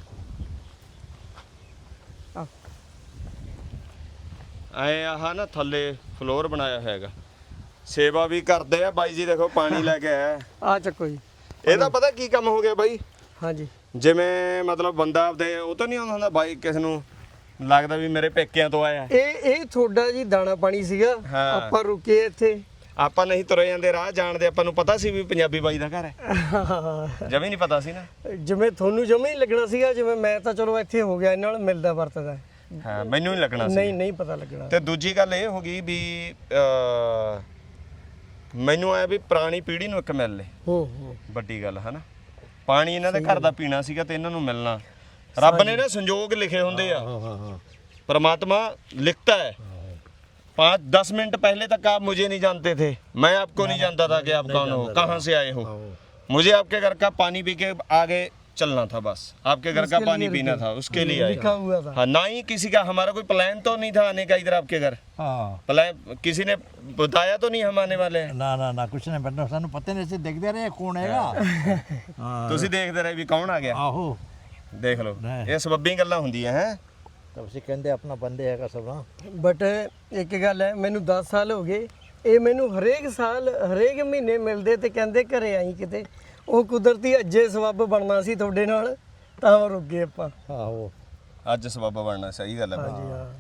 ਐ ਆਹ ਨਾ ਥੱਲੇ ਫਲੋਰ ਬਣਾਇਆ ਹੋਇਆ ਹੈਗਾ ਸੇਵਾ ਵੀ ਕਰਦੇ ਆ ਬਾਈ ਜੀ ਦੇਖੋ ਪਾਣੀ ਲੈ ਕੇ ਆਇਆ
ਆ ਚੱਕੋ ਜੀ
ਇਹਦਾ ਪਤਾ ਕੀ ਕੰਮ ਹੋ ਗਿਆ ਬਾਈ
ਹਾਂ ਜੀ
ਜਿਵੇਂ ਮਤਲਬ ਬੰਦਾ ਆਪਦੇ ਉਹ ਤਾਂ ਨਹੀਂ ਆਉਂਦਾ ਹੁੰਦਾ ਬਾਈ ਕਿਸ ਨੂੰ ਲੱਗਦਾ ਵੀ ਮੇਰੇ ਪੇਕਿਆਂ ਤੋਂ ਆਇਆ
ਇਹ ਇਹ ਤੁਹਾਡਾ ਜੀ ਦਾਣਾ ਪਾਣੀ ਸੀਗਾ
ਹਾਂ।
ਆਪਾਂ ਰੁਕੇ ਇੱਥੇ
ਆਪਾਂ ਨਹੀਂ ਤੁਰੇ ਜਾਂਦੇ ਰਾਹ ਜਾਣਦੇ ਆਪਾਂ ਨੂੰ ਪਤਾ ਸੀ ਵੀ ਪੰਜਾਬੀ ਬਾਈ ਦਾ ਘਰ ਹੈ ਜਮੀ ਨਹੀਂ ਪਤਾ ਸੀ ਨਾ
ਜਿਵੇਂ ਤੁਹਾਨੂੰ ਜਮੇ ਹੀ ਲੱਗਣਾ ਸੀਗਾ ਜਿਵੇਂ ਮੈਂ ਤਾਂ ਚਲੋ ਇੱਥੇ ਹੋ ਗਿਆ ਇਹਨਾਂ ਨਾਲ ਮਿਲਦਾ ਵਰਤਦਾ
ਹਾਂ ਮੈਨੂੰ ਨਹੀਂ ਲੱਗਣਾ ਸੀ
ਨਹੀਂ ਨਹੀਂ ਪਤਾ ਲੱਗਣਾ
ਤੇ ਦੂਜੀ ਗੱਲ ਇਹ ਹੋ ਗਈ ਵੀ ਅਹ, ਮੈਨੂੰ ਆਇਆ ਵੀ ਪੁਰਾਣੀ ਪੀੜ੍ਹੀ ਨੂੰ ਇੱਕ ਮਿਲ ਲੇ
ਹੋ ਹੋ
ਵੱਡੀ ਗੱਲ ਹੈ ਨਾ ਪਾਣੀ ਇਹਨਾਂ ਦੇ ਘਰ ਦਾ ਪੀਣਾ ਸੀਗਾ ਤੇ ਇਹਨਾਂ ਨੂੰ ਮਿਲਣਾ ਰੱਬ ਨੇ ਨਾ ਸੰਜੋਗ ਲਿਖੇ ਹੁੰਦੇ ਆ परमात्मा लिखता है पाँच दस मिनट पहले तक आप मुझे नहीं जानते थे मैं आपको नहीं जानता था कि आप कौन हो कहाँ से आए हो मुझे आपके घर का पानी पी के आगे चलना था बस आपके घर का पानी पीना था उसके लिए
लिखा
आए
हुआ था
हाँ ना ही किसी का हमारा कोई प्लान तो नहीं था आने का इधर आपके घर
हाँ
प्लान किसी ने बताया तो नहीं हम आने वाले हैं
ना ना ना कुछ नहीं बनना सानू पता नहीं से देखते रहे कौन हैगा
ਤੁਸੀਂ ਦੇਖਦੇ ਰਹੇ ਵੀ ਕੌਣ ਆ ਗਿਆ
आहो
ਦੇਖ ਲਓ ਇਹ ਸਬੱਬੀ ਗੱਲਾਂ ਹੁੰਦੀਆਂ ਹੈ
तब से कहते अपना बंदे हैगा सब ना
ਬਟ ਇੱਕ ਗੱਲ ਹੈ ਮੈਨੂੰ ਦਸ ਸਾਲ ਹੋ ਗਏ ਇਹ ਮੈਨੂੰ ਹਰੇਕ ਸਾਲ ਹਰੇਕ ਮਹੀਨੇ ਮਿਲਦੇ ਤੇ ਕਹਿੰਦੇ ਘਰੇ ਆਈ ਕਿਤੇ ਉਹ ਕੁਦਰਤੀ ਅੱਜੇ ਸਬੱਬ ਬਣਨਾ ਸੀ ਤੁਹਾਡੇ ਨਾਲ ਤਾਂ ਰੁਕ ਗਏ ਆਪਾਂ
आहो
ਅੱਜ ਸਬੱਬ ਬਣਨਾ ਸਹੀ ਗੱਲ ਹੈ ਬਾਈ
ਹਾਂਜੀ ਹਾਂ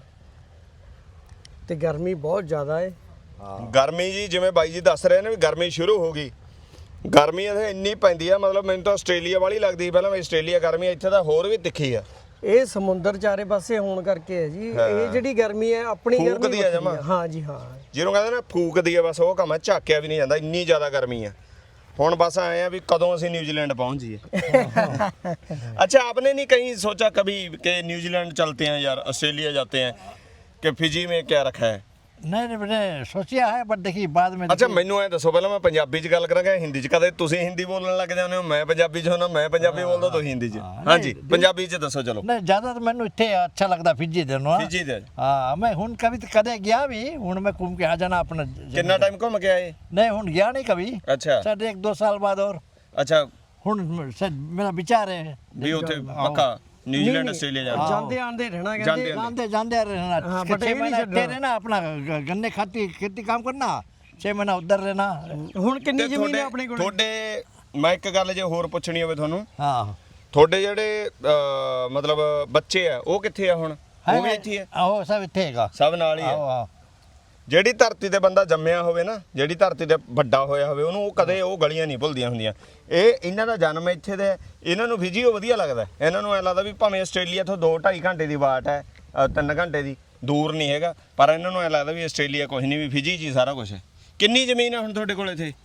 ਤੇ ਗਰਮੀ ਬਹੁਤ ਜ਼ਿਆਦਾ ਹੈ
ਗਰਮੀ ਜੀ ਜਿਵੇਂ ਬਾਈ ਜੀ ਦੱਸ ਰਹੇ ਨੇ ਵੀ ਗਰਮੀ ਸ਼ੁਰੂ ਹੋ ਗਈ ਗਰਮੀ ਇੱਥੇ ਇੰਨੀ ਪੈਂਦੀ ਆ ਮਤਲਬ ਮੈਨੂੰ ਤਾਂ ਆਸਟ੍ਰੇਲੀਆ ਵਾਲੀ ਲੱਗਦੀ ਪਹਿਲਾਂ ਮੈਂ ਆਸਟ੍ਰੇਲੀਆ ਗਰਮੀ ਇੱਥੇ ਤਾਂ ਹੋਰ ਵੀ ਤਿੱਖੀ ਆ
ਇਹ ਸਮੁੰਦਰ ਚਾਰੇ ਪਾਸੇ ਹੋਣ ਕਰਕੇ ਹੈ ਜੀ ਇਹ ਜਿਹੜੀ ਗਰਮੀ ਹੈ ਆਪਣੀ ਗਰਮੀ
ਫੂਕਦੀ ਹੈ
ਵੱਖਰੀ
ਜਮਾਂ।
ਹਾਂ ਜੀ ਹਾਂ
ਜਿਹਨੂੰ ਕਹਿੰਦੇ ਨਾ ਫੂਕਦੀ ਆ ਬਸ ਉਹ ਕੰਮ ਆ ਝਾਕਿਆ ਵੀ ਨਹੀਂ ਜਾਂਦਾ ਇੰਨੀ ਜ਼ਿਆਦਾ ਗਰਮੀ ਆ ਹੁਣ ਬਸ ਆਏ ਆ ਵੀ ਕਦੋਂ ਅਸੀਂ न्यूजीलैंड पहुंच जाइए अच्छा आपने नहीं कहीं सोचा कभी कि न्यूजीलैंड चलते हैं यार ऑस्ट्रेलिया जाते हैं कि फिजी में क्या रखा है
नहीं नहीं मैंने सोचा है बट देखिए बाद में
ਅੱਛਾ ਮੈਨੂੰ ਐ ਦੱਸੋ ਪਹਿਲਾਂ ਮੈਂ ਪੰਜਾਬੀ ਚ ਗੱਲ ਕਰਾਂਗਾ ਹਿੰਦੀ ਚ ਕਦੇ ਤੁਸੀਂ ਹਿੰਦੀ ਬੋਲਣ ਲੱਗ ਜਾਂਦੇ ਹੋ ਮੈਂ ਪੰਜਾਬੀ ਚ ਹੁੰਦਾ ਮੈਂ ਪੰਜਾਬੀ ਬੋਲਦਾ ਤੁਸੀਂ ਹਿੰਦੀ ਚ ਹਾਂਜੀ ਪੰਜਾਬੀ ਚ ਦੱਸੋ ਚਲੋ
नहीं ज़्यादा तो मैंने इतने अच्छा लगता फिजी देनो
ਫਿਜੀ ਦੇ
हाँ मैं हूँ कभी तो कदे गया भी हूँ मैं घूम के आ जाना अपना
ਕਿੰਨਾ ਟਾਈਮ ਘੁੰਮ ਕੇ ਆਏ
नहीं हूँ गया नहीं कभी
ਅੱਛਾ
शायद एक दो साल बाद और
ਅੱਛਾ
हूँ शायद मेरा विचार है
ਵੀ ਉੱਥੇ ਪੱਕਾ न्यूजीलैंड ऑस्ट्रेलिया जाना
ਜਾਂਦੇ ਆਂਦੇ ਰਹਿਣਾ
ਜਾਂਦੇ
ਕਹਿੰਦੇ
जानते जानते रहना
हाँ,
छह
but ये नहीं
महीना
छड़ना।
इतने रहना अपना ग- गन्ने खाती खेती काम करना छह महीना उधर रहना
ਹੁਣ ਕਿੰਨੀ
ਤੇ
ਜ਼ਮੀਨ ਹੈ
ਤੁਹਾਡੇ
ਆਪਣੇ ਕੋਲ
ਤੁਹਾਡੇ ਮੈਂ ਇੱਕ ਗੱਲ ਜੇ ਹੋਰ ਪੁੱਛਣੀ ਹੋਵੇ ਤੁਹਾਨੂੰ
हाँ
ਤੁਹਾਡੇ ਜਿਹੜੇ ਅਹ, ਮਤਲਬ ਬੱਚੇ ਆ ਉਹ ਕਿੱਥੇ ਆ ਹੁਣ ਉਹ ਵੀ ਇੱਥੇ ਆ
आहो सब इतने हैगा
ਸਭ ਨਾਲ ਹੀ
आओ
ਆ
आओ
ਜਿਹੜੀ ਧਰਤੀ ਤੇ ਬੰਦਾ ਜੰਮਿਆ ਹੋਵੇ ਨਾ ਜਿਹੜੀ ਧਰਤੀ ਤੇ ਵੱਡਾ ਹੋਇਆ ਹੋਵੇ ਉਹਨੂੰ ਉਹ ਕਦੇ ਉਹ ਗਲੀਆਂ ਨਹੀਂ ਭੁੱਲਦੀਆਂ ਹੁੰਦੀਆਂ ਇਹ ਇਹਨਾਂ ਦਾ ਜਨਮ ਇੱਥੇ ਦੇ ਇਹਨਾਂ ਨੂੰ ਫਿਜੀ ਉਹ ਵਧੀਆ ਲੱਗਦਾ ਇਹਨਾਂ ਨੂੰ ਐ ਲੱਗਦਾ ਵੀ ਭਾਵੇਂ ਆਸਟ੍ਰੇਲੀਆ ਤੋਂ ਦੋ ਢਾਈ ਘੰਟੇ ਦੀ ਬਾਟ ਹੈ ਅ, ਤਿੰਨ ਘੰਟੇ ਦੀ ਦੂਰ ਨਹੀਂ ਹੈਗਾ ਪਰ ਇਹਨਾਂ ਨੂੰ ਐ ਲੱਗਦਾ ਵੀ ਆਸਟ੍ਰੇਲੀਆ ਕੁਝ ਨਹੀਂ ਵੀ ਫਿਜੀ 'ਚ ਹੀ ਸਾਰਾ ਕੁਝ ਹੈ ਕਿੰਨੀ ਜ਼ਮੀਨ ਹੈ ਹੁਣ ਤੁਹਾਡੇ ਕੋਲ ਇੱਥੇ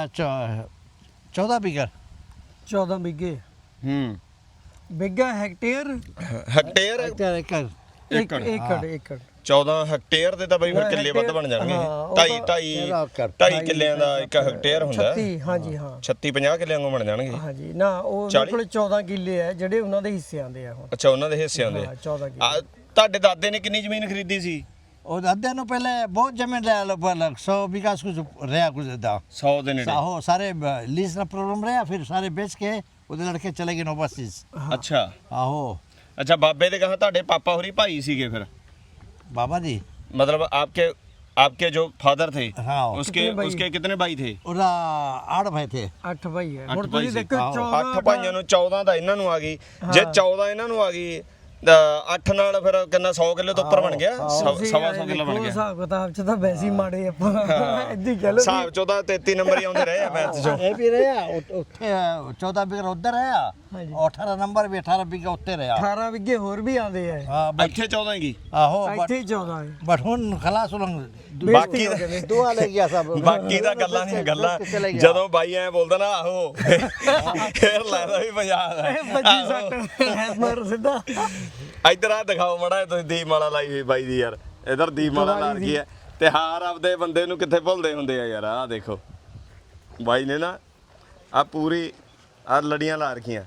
चौदह बीघा
ਚੌਦਾਂ ਬਿੱਗੇ
ਹੂੰ
ਬਿੱਗਾ ਹੈਕਟੇਅਰ
ਹੈਕਟੇਅਰ
एकड़
ਇੱਕ
ਏਕੜ
ਏਕੜ ਏਕੜ
ਚੌਦਾਂ ਹੈਕਟੇਅਰ ਦੇ ਤਾਂ ਬਈ ਫਿਰ ਕਿੱਲੇ ਵੱਧ ਬਣ ਜਾਣਗੇ
ਹਾਂ, ਉਹ
ਢਾਈ
ਤਾਂ-
ਢਾਈ
ਤੇਰਾਂ ਏਕੜ।
ਢਾਈ ਕਿੱਲਿਆਂ ਦਾ ਇੱਕ ਹੈਕਟੇਅਰ ਹੁੰਦਾ
ਛੱਤੀ ਹਾਂਜੀ ਹਾਂ
ਛੱਤੀ ਪੰਜਾਹ ਕਿੱਲਿਆਂ ਨੂੰ ਬਣ ਜਾਣਗੇ
ਹਾਂਜੀ ਨਾ ਉਹ ਉਹਨਾਂ
ਚਾਲੀ?
ਕੋਲੇ ਚੌਦਾਂ ਕਿੱਲੇ ਆ ਜਿਹੜੇ ਉਹਨਾਂ ਦੇ ਹਿੱਸੇ ਆਂਦੇ ਆ ਹੁਣ
ਅੱਛਾ ਉਹਨਾਂ ਦੇ ਹਿੱਸੇ ਆਉਂਦੇ
ਹਾਂ ਚੌਦਾਂ ਕਿੱਲੇ
ਆ ਤੁਹਾਡੇ ਦਾਦੇ ਨੇ ਕਿੰਨੀ ਜ਼ਮੀਨ ਖਰੀਦੀ ਸੀ
और अद्धे नु पहले बहुत जमीन रहा लो पहले सौ बीघा कुछ रहा कुछ था
सौ ਦੇ ਨੇੜੇ
हो सारे लीज का प्रॉब्लम रहा फिर सारे बेच के उधर लड़के चले गए ओवरसीज
ਅੱਛਾ
आहो
ਅੱਛਾ ਬਾਬੇ ਦੇ ਕਹਾ ਤੁਹਾਡੇ ਪਾਪਾ ਹੋਰੀ ਭਾਈ ਸੀਗੇ ਫਿਰ
बाबा जी
मतलब आपके आपके जो फादर थे
हाँ।
उसके उसके कितने भाई थे?
ਉਹਦਾ ਆੜ ਭਾਈ ਥੇ
ਅੱਠ ਭਾਈ ਹੈ
ਅੱਠ
ਹੁਣ
ਭਾਈ
ਤੁਸੀਂ
ਸੀ।
ਦੇਖੋ ਚੌਦਾਂ
ਅੱਠ ਭਾਈਆਂ ਨੂੰ ਚੌਦਾਂ ਤਾਂ ਇਹਨਾਂ ਨੂੰ ਆ ਗਈ ਜੇ ਚੌਦਾਂ ਇਹਨਾਂ ਨੂੰ ਆ ਗਈ ਤਾਂ ਅੱਠ ਨਾਲ ਫਿਰ ਕਿੰਨਾ ਸੌ ਕਿਲੋ ਤੋਂ ਉੱਪਰ ਬਣ ਗਿਆ ਸਵਾ
ਤੁਸੀਂ
ਸਵਾ
ਇਹ
ਸੌ ਕਿਲੋ ਬਣ
ਦੇਖੋ,
ਗਿਆ
ਹਿਸਾਬ ਕਿਤਾਬ ਚ ਤਾਂ ਵੈਸੇ ਹੀ ਮਾੜੇ ਆਪਾਂ ਏਦਾਂ ਹੀ ਕਹਿ ਲਓ
ਹਿਸਾਬ ਚੋਂ ਤਾਂ ਤੇਤੀ ਨੰਬਰ ਹੀ ਆਉਂਦੇ ਰਹੇ ਆ ਮੈਥ ਚੋਂ
ਇਹ ਵੀ ਰਿਹਾ ਉ- ਉੱਥੇ ਚੌਦਾਂ ਵਿਗਾ ਉੱਧਰ ਰਿਹਾ ਅਠਾਰਾਂ ਨੰਬਰ ਵੀ ਅਠਾਰਾਂ ਵਿਗਾ ਉੱਤੇ ਰਿਹਾ
ਅਠਾਰਾਂ ਵਿੱਗੇ ਹੋਰ ਵੀ ਆਉਂਦੇ ਆ
ਹਾਂ ਬਟ
ਇੱਥੇ ਚੌਦਾਂ ਹੀ
ਆਹੋ ਬਟ
ਇੱਥੇ ਹੀ ਚੌਦਾਂ ਹੈ
ਬਟ ਹੁਣ ਖਲਾਸ ਉਲੰਗ
ਬਾਕੀ
ਦੁਆ ਲੈ ਗਿਆ ਸਭ
ਬਾਕੀ ਤਾਂ ਗੱਲਾਂ ਨਹੀਂ ਗੱਲਾਂ
ਚਲੇ ਗਿਆ।
ਜਦੋਂ ਬਾਈ ਐ ਬੋਲਦਾ ਨਾ ਆਹੋ ਫੇਰ ਲੱਗਦਾ ਵੀ ਪੰਜਾਬ ਦਾ
ਇਹ ਬੱਜੀ ਸੱਟ ਹੈਮਰ ਸਿੱਧਾ
ਇੱਧਰ ਆ ਦਿਖਾਓ ਮੜਾ ਤੁਸੀਂ ਦੀਪਮਾਲਾ ਲਾਈ ਹੋਈ ਬਾਈ ਦੀ ਯਾਰ ਇਧਰ ਦੀਪਮਾਲਾ ਲਾ ਰਹੀ ਹੈ ਤਿਉਹਾਰ ਆਪਦੇ ਬੰਦੇ ਨੂੰ ਕਿੱਥੇ ਭੁੱਲਦੇ ਹੁੰਦੇ ਆ ਯਾਰ ਆਹ ਦੇਖੋ ਬਾਈ ਨੇ ਨਾ ਆ ਪੂਰੀ ਆ ਲੜੀਆਂ ਲਾ ਰੱਖੀਆਂ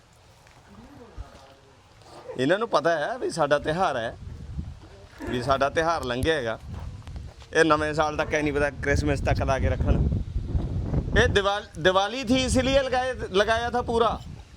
ਇਹਨਾਂ ਨੂੰ ਪਤਾ ਹੈ ਵੀ ਸਾਡਾ ਤਿਉਹਾਰ ਹੈ ਵੀ ਸਾਡਾ ਤਿਉਹਾਰ ਲੰਘਿਆ ਹੈਗਾ ਇਹ ਨਵੇਂ ਸਾਲ ਤੱਕ ਇਹ ਨਹੀਂ ਪਤਾ क्रिसमस तक ला के रखन ये दिवाली दिवाली थी इसलिए लगाए लगाया था पूरा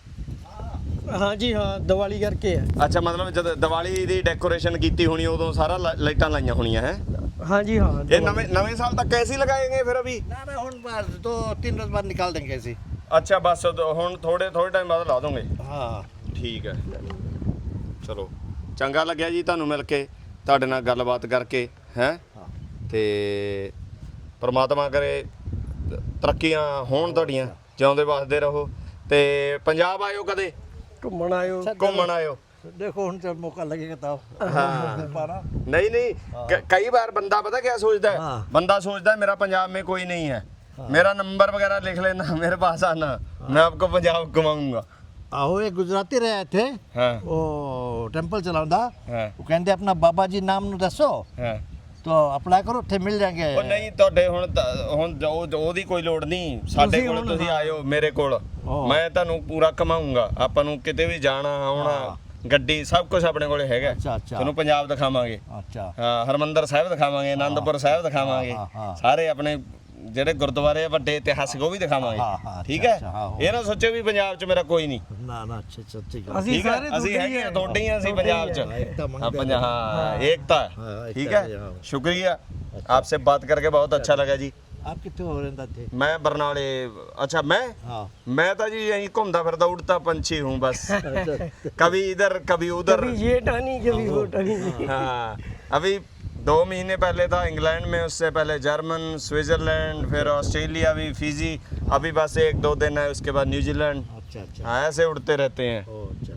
ਹਾਂਜੀ ਹਾਂ ਦੀਵਾਲੀ ਕਰਕੇ ਹੈ
अच्छा मतलब जब दिवाली ਦੀ ਡੈਕੋਰੇਸ਼ਨ ਕੀਤੀ ਹੋਣੀ ਉਦੋਂ ਸਾਰਾ ਲਾ- ਲਾਈਟਾਂ ਲਾਈਆਂ ਹੋਣੀਆਂ ਹੈ
ਹਾਂਜੀ ਹਾਂ
ਇਹ ਨਵੇਂ ਨਵੇਂ ਸਾਲ ਤੱਕ कैसे लगाएंगे फिर अभी
ਨਾ ਨਾ ਹੁਣ ਬਾਅਦ ਦੋ ਤਿੰਨ ਰੋਜ਼ ਬਾਅਦ ਨਿਕਾਲ ਦੇਂਗੇ ਅਸੀਂ
अच्छा बस ਹੁਣ ਥੋੜੇ ਥੋੜੇ ਟਾਈਮ ਬਾਅਦ ਲਾ ਦੋਗੇ
ਹਾਂ
ਠੀਕ ਹੈ ਚਲੋ ਚੰਗਾ ਲੱਗਿਆ ਜੀ ਤੁਹਾਨੂੰ ਮਿਲ ਕੇ ਤੁਹਾਡੇ ਨਾਲ ਗੱਲਬਾਤ ਕਰਕੇ ਹੈ ਤੇ ਪ੍ਰਮਾਤਮਾ ਕਰੇ ਤਰੱਕੀਆਂ ਹੋਣ ਤੁਹਾਡੀਆਂ ਜਿਉਂਦੇ ਵਸਦੇ ਰਹੋ ਤੇ ਪੰਜਾਬ ਆਇਓ ਕਦੇ
ਘੁੰਮਣ ਆਇਓ
ਘੁੰਮਣ ਆਇਓ
ਦੇਖੋ ਹੁਣ ਤੇ ਮੌਕਾ ਲੱਗੇਗਾ ਤਾਂ
हाँ
ਪਾਣਾ
नहीं नहीं क- कई बार बंदा पता क्या सोचता है
हाँ।
बंदा सोचता है मेरा पंजाब में कोई नहीं है मेरा नंबर वगैरह लिख लेना मेरे पास आना मैं आपको पंजाब घुमाऊंगा
ਆਹੋ ਇਹ ਗੁਜਰਾਤੀ ਰਹੇ ਇੱਥੇ
हाँ
ਉਹ ਟੈਂਪਲ ਚਲਾਉਂਦਾ
हाँ
ਉਹ ਕਹਿੰਦੇ ਆਪਣਾ ਬਾਬਾ ਜੀ ਨਾਮ ਨੂੰ ਦੱਸੋ
हाँ
ਤਾਂ ਅਪਲਾਈ ਕਰੋ ਉੱਥੇ ਮਿਲ ਜਾਣਗੇ
ਉਹ ਨਹੀਂ ਤੁਹਾਡੇ ਹੁਣ ਤਾਂ- ਹੁਣ ਉਹ- ਉਹਦੀ ਕੋਈ ਲੋੜ ਨਹੀਂ ਸਾਡੇ
ਤੁਸੀਂ
ਕੋਲ
ਹੁਣ-
ਤੁਸੀਂ ਆਇਓ ਮੇਰੇ ਕੋਲ
ਹਾਂ।
ਮੈਂ ਤੁਹਾਨੂੰ ਪੂਰਾ ਘਮਾਉਂਗਾ ਆਪਾਂ ਨੂੰ ਕਿਤੇ ਵੀ ਜਾਣਾ ਆਉਣਾ ਗੱਡੀ ਸਭ ਕੁਝ ਆਪਣੇ ਕੋਲੇ ਹੈਗਾ
ਅੱਛਾ, ਅੱਛਾ।
ਤੁਹਾਨੂੰ ਪੰਜਾਬ ਦਿਖਾਵਾਂਗੇ
ਅੱਛਾ
ਹਾਂ ਹਰਮੰਦਰ ਸਾਹਿਬ ਦਿਖਾਵਾਂਗੇ ਆਨੰਦਪੁਰ ਸਾਹਿਬ ਦਿਖਾਵਾਂਗੇ
ਹਾਂ, ਹਾਂ।
ਸਾਰੇ ਆਪਣੇ ਜਿਹੜੇ ਗੁਰਦੁਆਰੇ ਆ ਵੱਡੇ ਇਤਿਹਾਸਿਕ ਉਹ ਵੀ
ਹਾਂ,
ਦਿਖਾਵਾਂਗੇ
ਹਾਂ,
ਠੀਕ
ਅੱਛਾ,
ਹੈ
ਅੱਛਾ, ਹਾਂ,
ਇਹ ਨਾ ਸੋਚੋ ਵੀ ਪੰਜਾਬ 'ਚ ਮੇਰਾ ਕੋਈ ਨਹੀਂ
ਨਾ ਨਾ ਅੱਛਾ ਅੱਛਾ ਠੀਕ ਹੈ
ਅਸੀਂ
ਠੀਕ ਹੈ
ਸਾਰੇ
ਅਸੀਂ ਹੈਗੇ ਆ ਤੁਹਾਡੇ ਹੀ ਆ ਅਸੀਂ
ਤੁਹਾਡੇ ਹੀ
ਪੰਜਾਬ 'ਚ
ਆ।
एकता
हाँ
मंगते
पंजा- हाँ एकता
हाँ, एकता
ठीक
है,
है
हाँ।
शुक्रिया आपसे बात करके बहुत अच्छा लगा जी
ਆਪ ਕਿੱਥੇ ਹੋ ਰਹਿੰਦਾ ਥੇ
मैं बरनाले अच्छा मैं
ਹਾਂ
मैं तो जी यहीं घूमता फिरता उड़ता पंछी हूँ बस कभी इधर कभी उधर
कभी ये टानी कभी वो टानी
हाँ अभी दो महीने पहले था इंग्लैंड में उससे पहले जर्मन स्विट्जरलैंड फिर ऑस्ट्रेलिया भी फिजी अभी बस एक दो दिन है उसके बाद न्यूजीलैंड
ਅੱਛਾ ਅੱਛਾ
हाँ ऐसे उड़ते रहते हैं
ਉਹ ਅੱਛਾ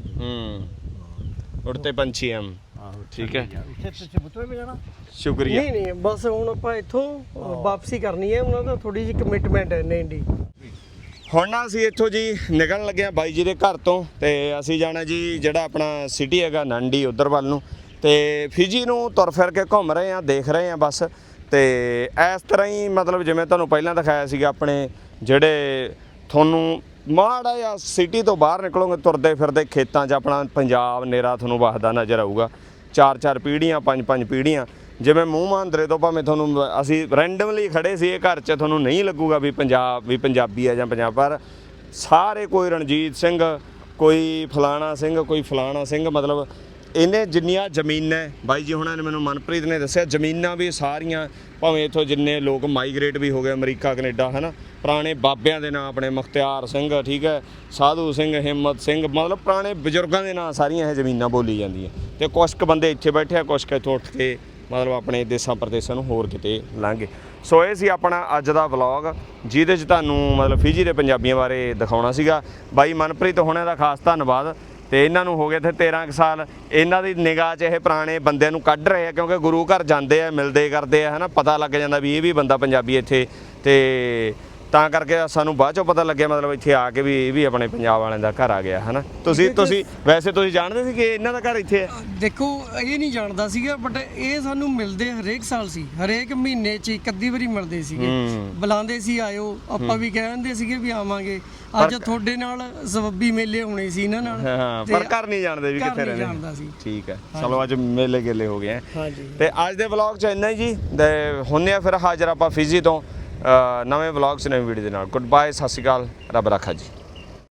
हम्म उड़ते पंछी हम
ਆਹੋ
ठीक है
ਇੱਥੇ ਤੁਸੀਂ ਬੁੱਤਰੇ ਵੀ ਜਾਣਾ
शुक्रिया
ਨਹੀਂ ਨਹੀਂ ਬਸ ਹੁਣ ਆਪਾਂ ਇੱਥੋਂ ਵਾਪਸੀ ਕਰਨੀ ਹੈ ਉਹਨਾਂ ਦਾ ਥੋੜੀ ਜਿਹੀ ਕਮਿਟਮੈਂਟ ਹੈ ਨਹੀਂ ਦੀ
ਹੁਣ ਨਾ ਅਸੀਂ ਇੱਥੋਂ ਜੀ ਨਿਕਲਣ ਲੱਗੇ ਆ ਬਾਈ ਜੀ ਦੇ ਘਰ ਤੋਂ ਤੇ ਅਸੀਂ ਜਾਣਾ ਜੀ ਜਿਹੜਾ ਆਪਣਾ ਸਿਟੀ ਹੈਗਾ ਨੰਡੀ ਉਧਰ ਵੱਲ ਨੂੰ ਤੇ ਫਿਜੀ ਨੂੰ ਤੁਰ ਫਿਰ ਕੇ ਘੁੰਮ ਰਹੇ ਆ ਦੇਖ ਰਹੇ ਆ ਬਸ ਤੇ ਇਸ ਤਰ੍ਹਾਂ ਹੀ ਮਤਲਬ ਜਿਵੇਂ ਤੁਹਾਨੂੰ ਪਹਿਲਾਂ ਦਿਖਾਇਆ ਸੀਗਾ ਆਪਣੇ ਜਿਹੜੇ ਤੁਹਾਨੂੰ ਮਾੜਾ ਜਿਹਾ ਸਿਟੀ ਤੋਂ ਬਾਹਰ ਨਿਕਲੋਗੇ ਤੁਰਦੇ ਫਿਰਦੇ ਖੇਤਾਂ 'ਚ ਆਪਣਾ ਪੰਜਾਬ ਨੇਰਾ ਤੁਹਾਨੂੰ ਵਸਦਾ ਨਜ਼ਰ ਆਊਗਾ ਚਾਰ ਚਾਰ ਪੀੜ੍ਹੀਆਂ ਪੰਜ ਪੰਜ ਪੀੜ੍ਹੀਆਂ ਜਿਵੇਂ ਮੂੰਹ ਮਾਂਦਰੇ ਤੋਂ ਭਾਵੇਂ ਤੁਹਾਨੂੰ ਅਸੀਂ ਰੈਂਡਮਲੀ ਖੜੇ ਸੀ ਇਹ ਘਰ 'ਚ ਤੁਹਾਨੂੰ ਨਹੀਂ ਲੱਗੂਗਾ ਵੀ ਪੰਜਾਬ ਵੀ ਪੰਜਾਬੀ ਆ ਜਾਂ ਪੰਜਾਬ ਪਰ ਸਾਰੇ ਕੋਈ ਰਣਜੀਤ ਸਿੰਘ ਕੋਈ ਫਲਾਣਾ ਸਿੰਘ ਕੋਈ ਫਲਾਣਾ ਸਿੰਘ ਮਤਲਬ ਇਹਨੇ ਜਿੰਨੀਆਂ ਜ਼ਮੀਨਾਂ ਬਾਈ ਜੀ ਹੁਣਾਂ ਨੇ ਮੈਨੂੰ ਮਨਪ੍ਰੀਤ ਨੇ ਦੱਸਿਆ ਜ਼ਮੀਨਾਂ ਵੀ ਸਾਰੀਆਂ ਭਾਵੇਂ ਇੱਥੋਂ ਜਿੰਨੇ ਲੋਕ ਮਾਈਗ੍ਰੇਟ ਵੀ ਹੋ ਗਏ ਅਮਰੀਕਾ ਕੈਨੇਡਾ ਹੈ ਨਾ ਪੁਰਾਣੇ ਬਾਬਿਆਂ ਦੇ ਨਾਂ ਆਪਣੇ ਮੁਖਤਿਆਰ ਸਿੰਘ ਠੀਕ ਹੈ ਸਾਧੂ ਸਿੰਘ ਹਿੰਮਤ ਸਿੰਘ ਮਤਲਬ ਪੁਰਾਣੇ ਬਜ਼ੁਰਗਾਂ ਦੇ ਨਾਂ ਸਾਰੀਆਂ ਇਹ ਜ਼ਮੀਨਾਂ ਬੋਲੀ ਜਾਂਦੀਆਂ ਤੇ ਕੁਛ ਕੁ ਬੰਦੇ ਇੱਥੇ ਬੈਠੇ ਆ ਕੁਛ ਕੁ ਇੱਥੋਂ ਉੱਠ ਕੇ ਮਤਲਬ ਆਪਣੇ ਦੇਸਾਂ ਪ੍ਰਦੇਸਾਂ ਨੂੰ ਹੋਰ ਕਿਤੇ ਲੰਘੇ ਸੋ ਇਹ ਸੀ ਆਪਣਾ ਅੱਜ ਦਾ ਵਲੌਗ ਜਿਹਦੇ 'ਚ ਤੁਹਾਨੂੰ ਮਤਲਬ ਫਿਜੀ ਦੇ ਪੰਜਾਬੀਆਂ ਬਾਰੇ ਦਿਖਾਉਣਾ ਸੀਗਾ ਬਾਈ ਮਨਪ੍ਰੀਤ ਹੁਣਾਂ ਦਾ ਖਾਸ ਧੰਨਵਾਦ ਤੇ ਇਹਨਾਂ ਨੂੰ ਹੋ ਗਏ ਇੱਥੇ ਤੇਰਾਂ ਕੁ ਸਾਲ ਇਹਨਾਂ ਦੀ ਨਿਗਾਹ 'ਚ ਇਹ ਪੁਰਾਣੇ ਬੰਦਿਆਂ ਨੂੰ ਕੱਢ ਰਹੇ ਆ ਕਿਉਂਕਿ ਗੁਰੂ ਘਰ ਜਾਂਦੇ ਆ ਮਿਲਦੇ ਕਰਦੇ ਆ ਹੈ ਨਾ ਪਤਾ ਲੱਗ ਜਾਂਦਾ ਵੀ ਇਹ ਵੀ ਬੰਦਾ ਪੰਜਾਬੀ ਇੱਥੇ ਤੇ ਤਾਂ ਕਰਕੇ ਸਾਨੂੰ ਬਾਅਦ ਚੋਂ ਪਤਾ ਲੱਗਿਆ ਮਤਲਬ ਇੱਥੇ ਆ ਕੇ ਵੀ ਇਹ ਵੀ ਆਪਣੇ ਪੰਜਾਬ ਵਾਲਿਆਂ ਦਾ ਘਰ ਆ ਗਿਆ ਹੈ ਨਾ ਤੁਸੀਂ ਤੁਸੀਂ ਵੈਸੇ ਤੁਸੀਂ ਜਾਣਦੇ ਸੀ ਕਿ ਇਹਨਾਂ ਦਾ ਘਰ ਇੱਥੇ ਹੈ
ਦੇਖੋ ਇਹ ਨਹੀਂ ਜਾਣਦਾ ਸੀਗਾ ਬਟ ਇਹ ਸਾਨੂੰ ਮਿਲਦੇ ਹਰੇਕ ਸਾਲ ਸੀ ਹਰੇਕ ਮਹੀਨੇ 'ਚ ਇੱਕ ਅੱਧੀ ਵਾਰੀ ਮਿਲਦੇ ਸੀਗੇ ਬੁਲਾਉਂਦੇ ਸੀ ਆਇਓ ਆਪਾਂ ਵੀ ਕਹਿੰਦੇ ਸੀਗੇ ਵੀ ਆਵਾਂਗੇ ਅੱਜ ਤੁਹਾਡੇ ਨਾਲ ਸਬੱਬੀ ਮੇਲੇ ਹੋਣੇ ਸੀ ਇਹਨਾਂ ਨਾਲ
ਹਾਂ ਪਰ ਘਰ ਨਹੀਂ ਜਾਣਦੇ ਵੀ
ਘਰ
ਕਿੱਥੇ
ਨਹੀਂ
ਰਹਿੰਦੇ
ਜਾਣਦਾ ਸੀ
ਠੀਕ ਹੈ ਚਲੋ ਅੱਜ ਮੇਲੇ ਗੇਲੇ ਹੋ ਗਏ
ਹਾਂਜੀ
ਤੇ ਅੱਜ ਦੇ ਵਲੌਗ 'ਚ ਇੰਨਾ ਹੀ ਜੀ ਤੇ ਹੁੰਨੇ ਆ ਫਿਰ ਹਾਜ਼ਰ ਆਪਾਂ ਫਿਜੀ ਤੋਂ ਨਵੇਂ ਵਲੌਗ 'ਚ ਨਵੀਂ ਵੀਡੀਓ ਦੇ ਨਾਲ ਗੁੱਡ ਬਾਏ ਸਤਿ ਸ਼੍ਰੀ ਅਕਾਲ ਰੱਬ ਰੱਖਾ ਜੀ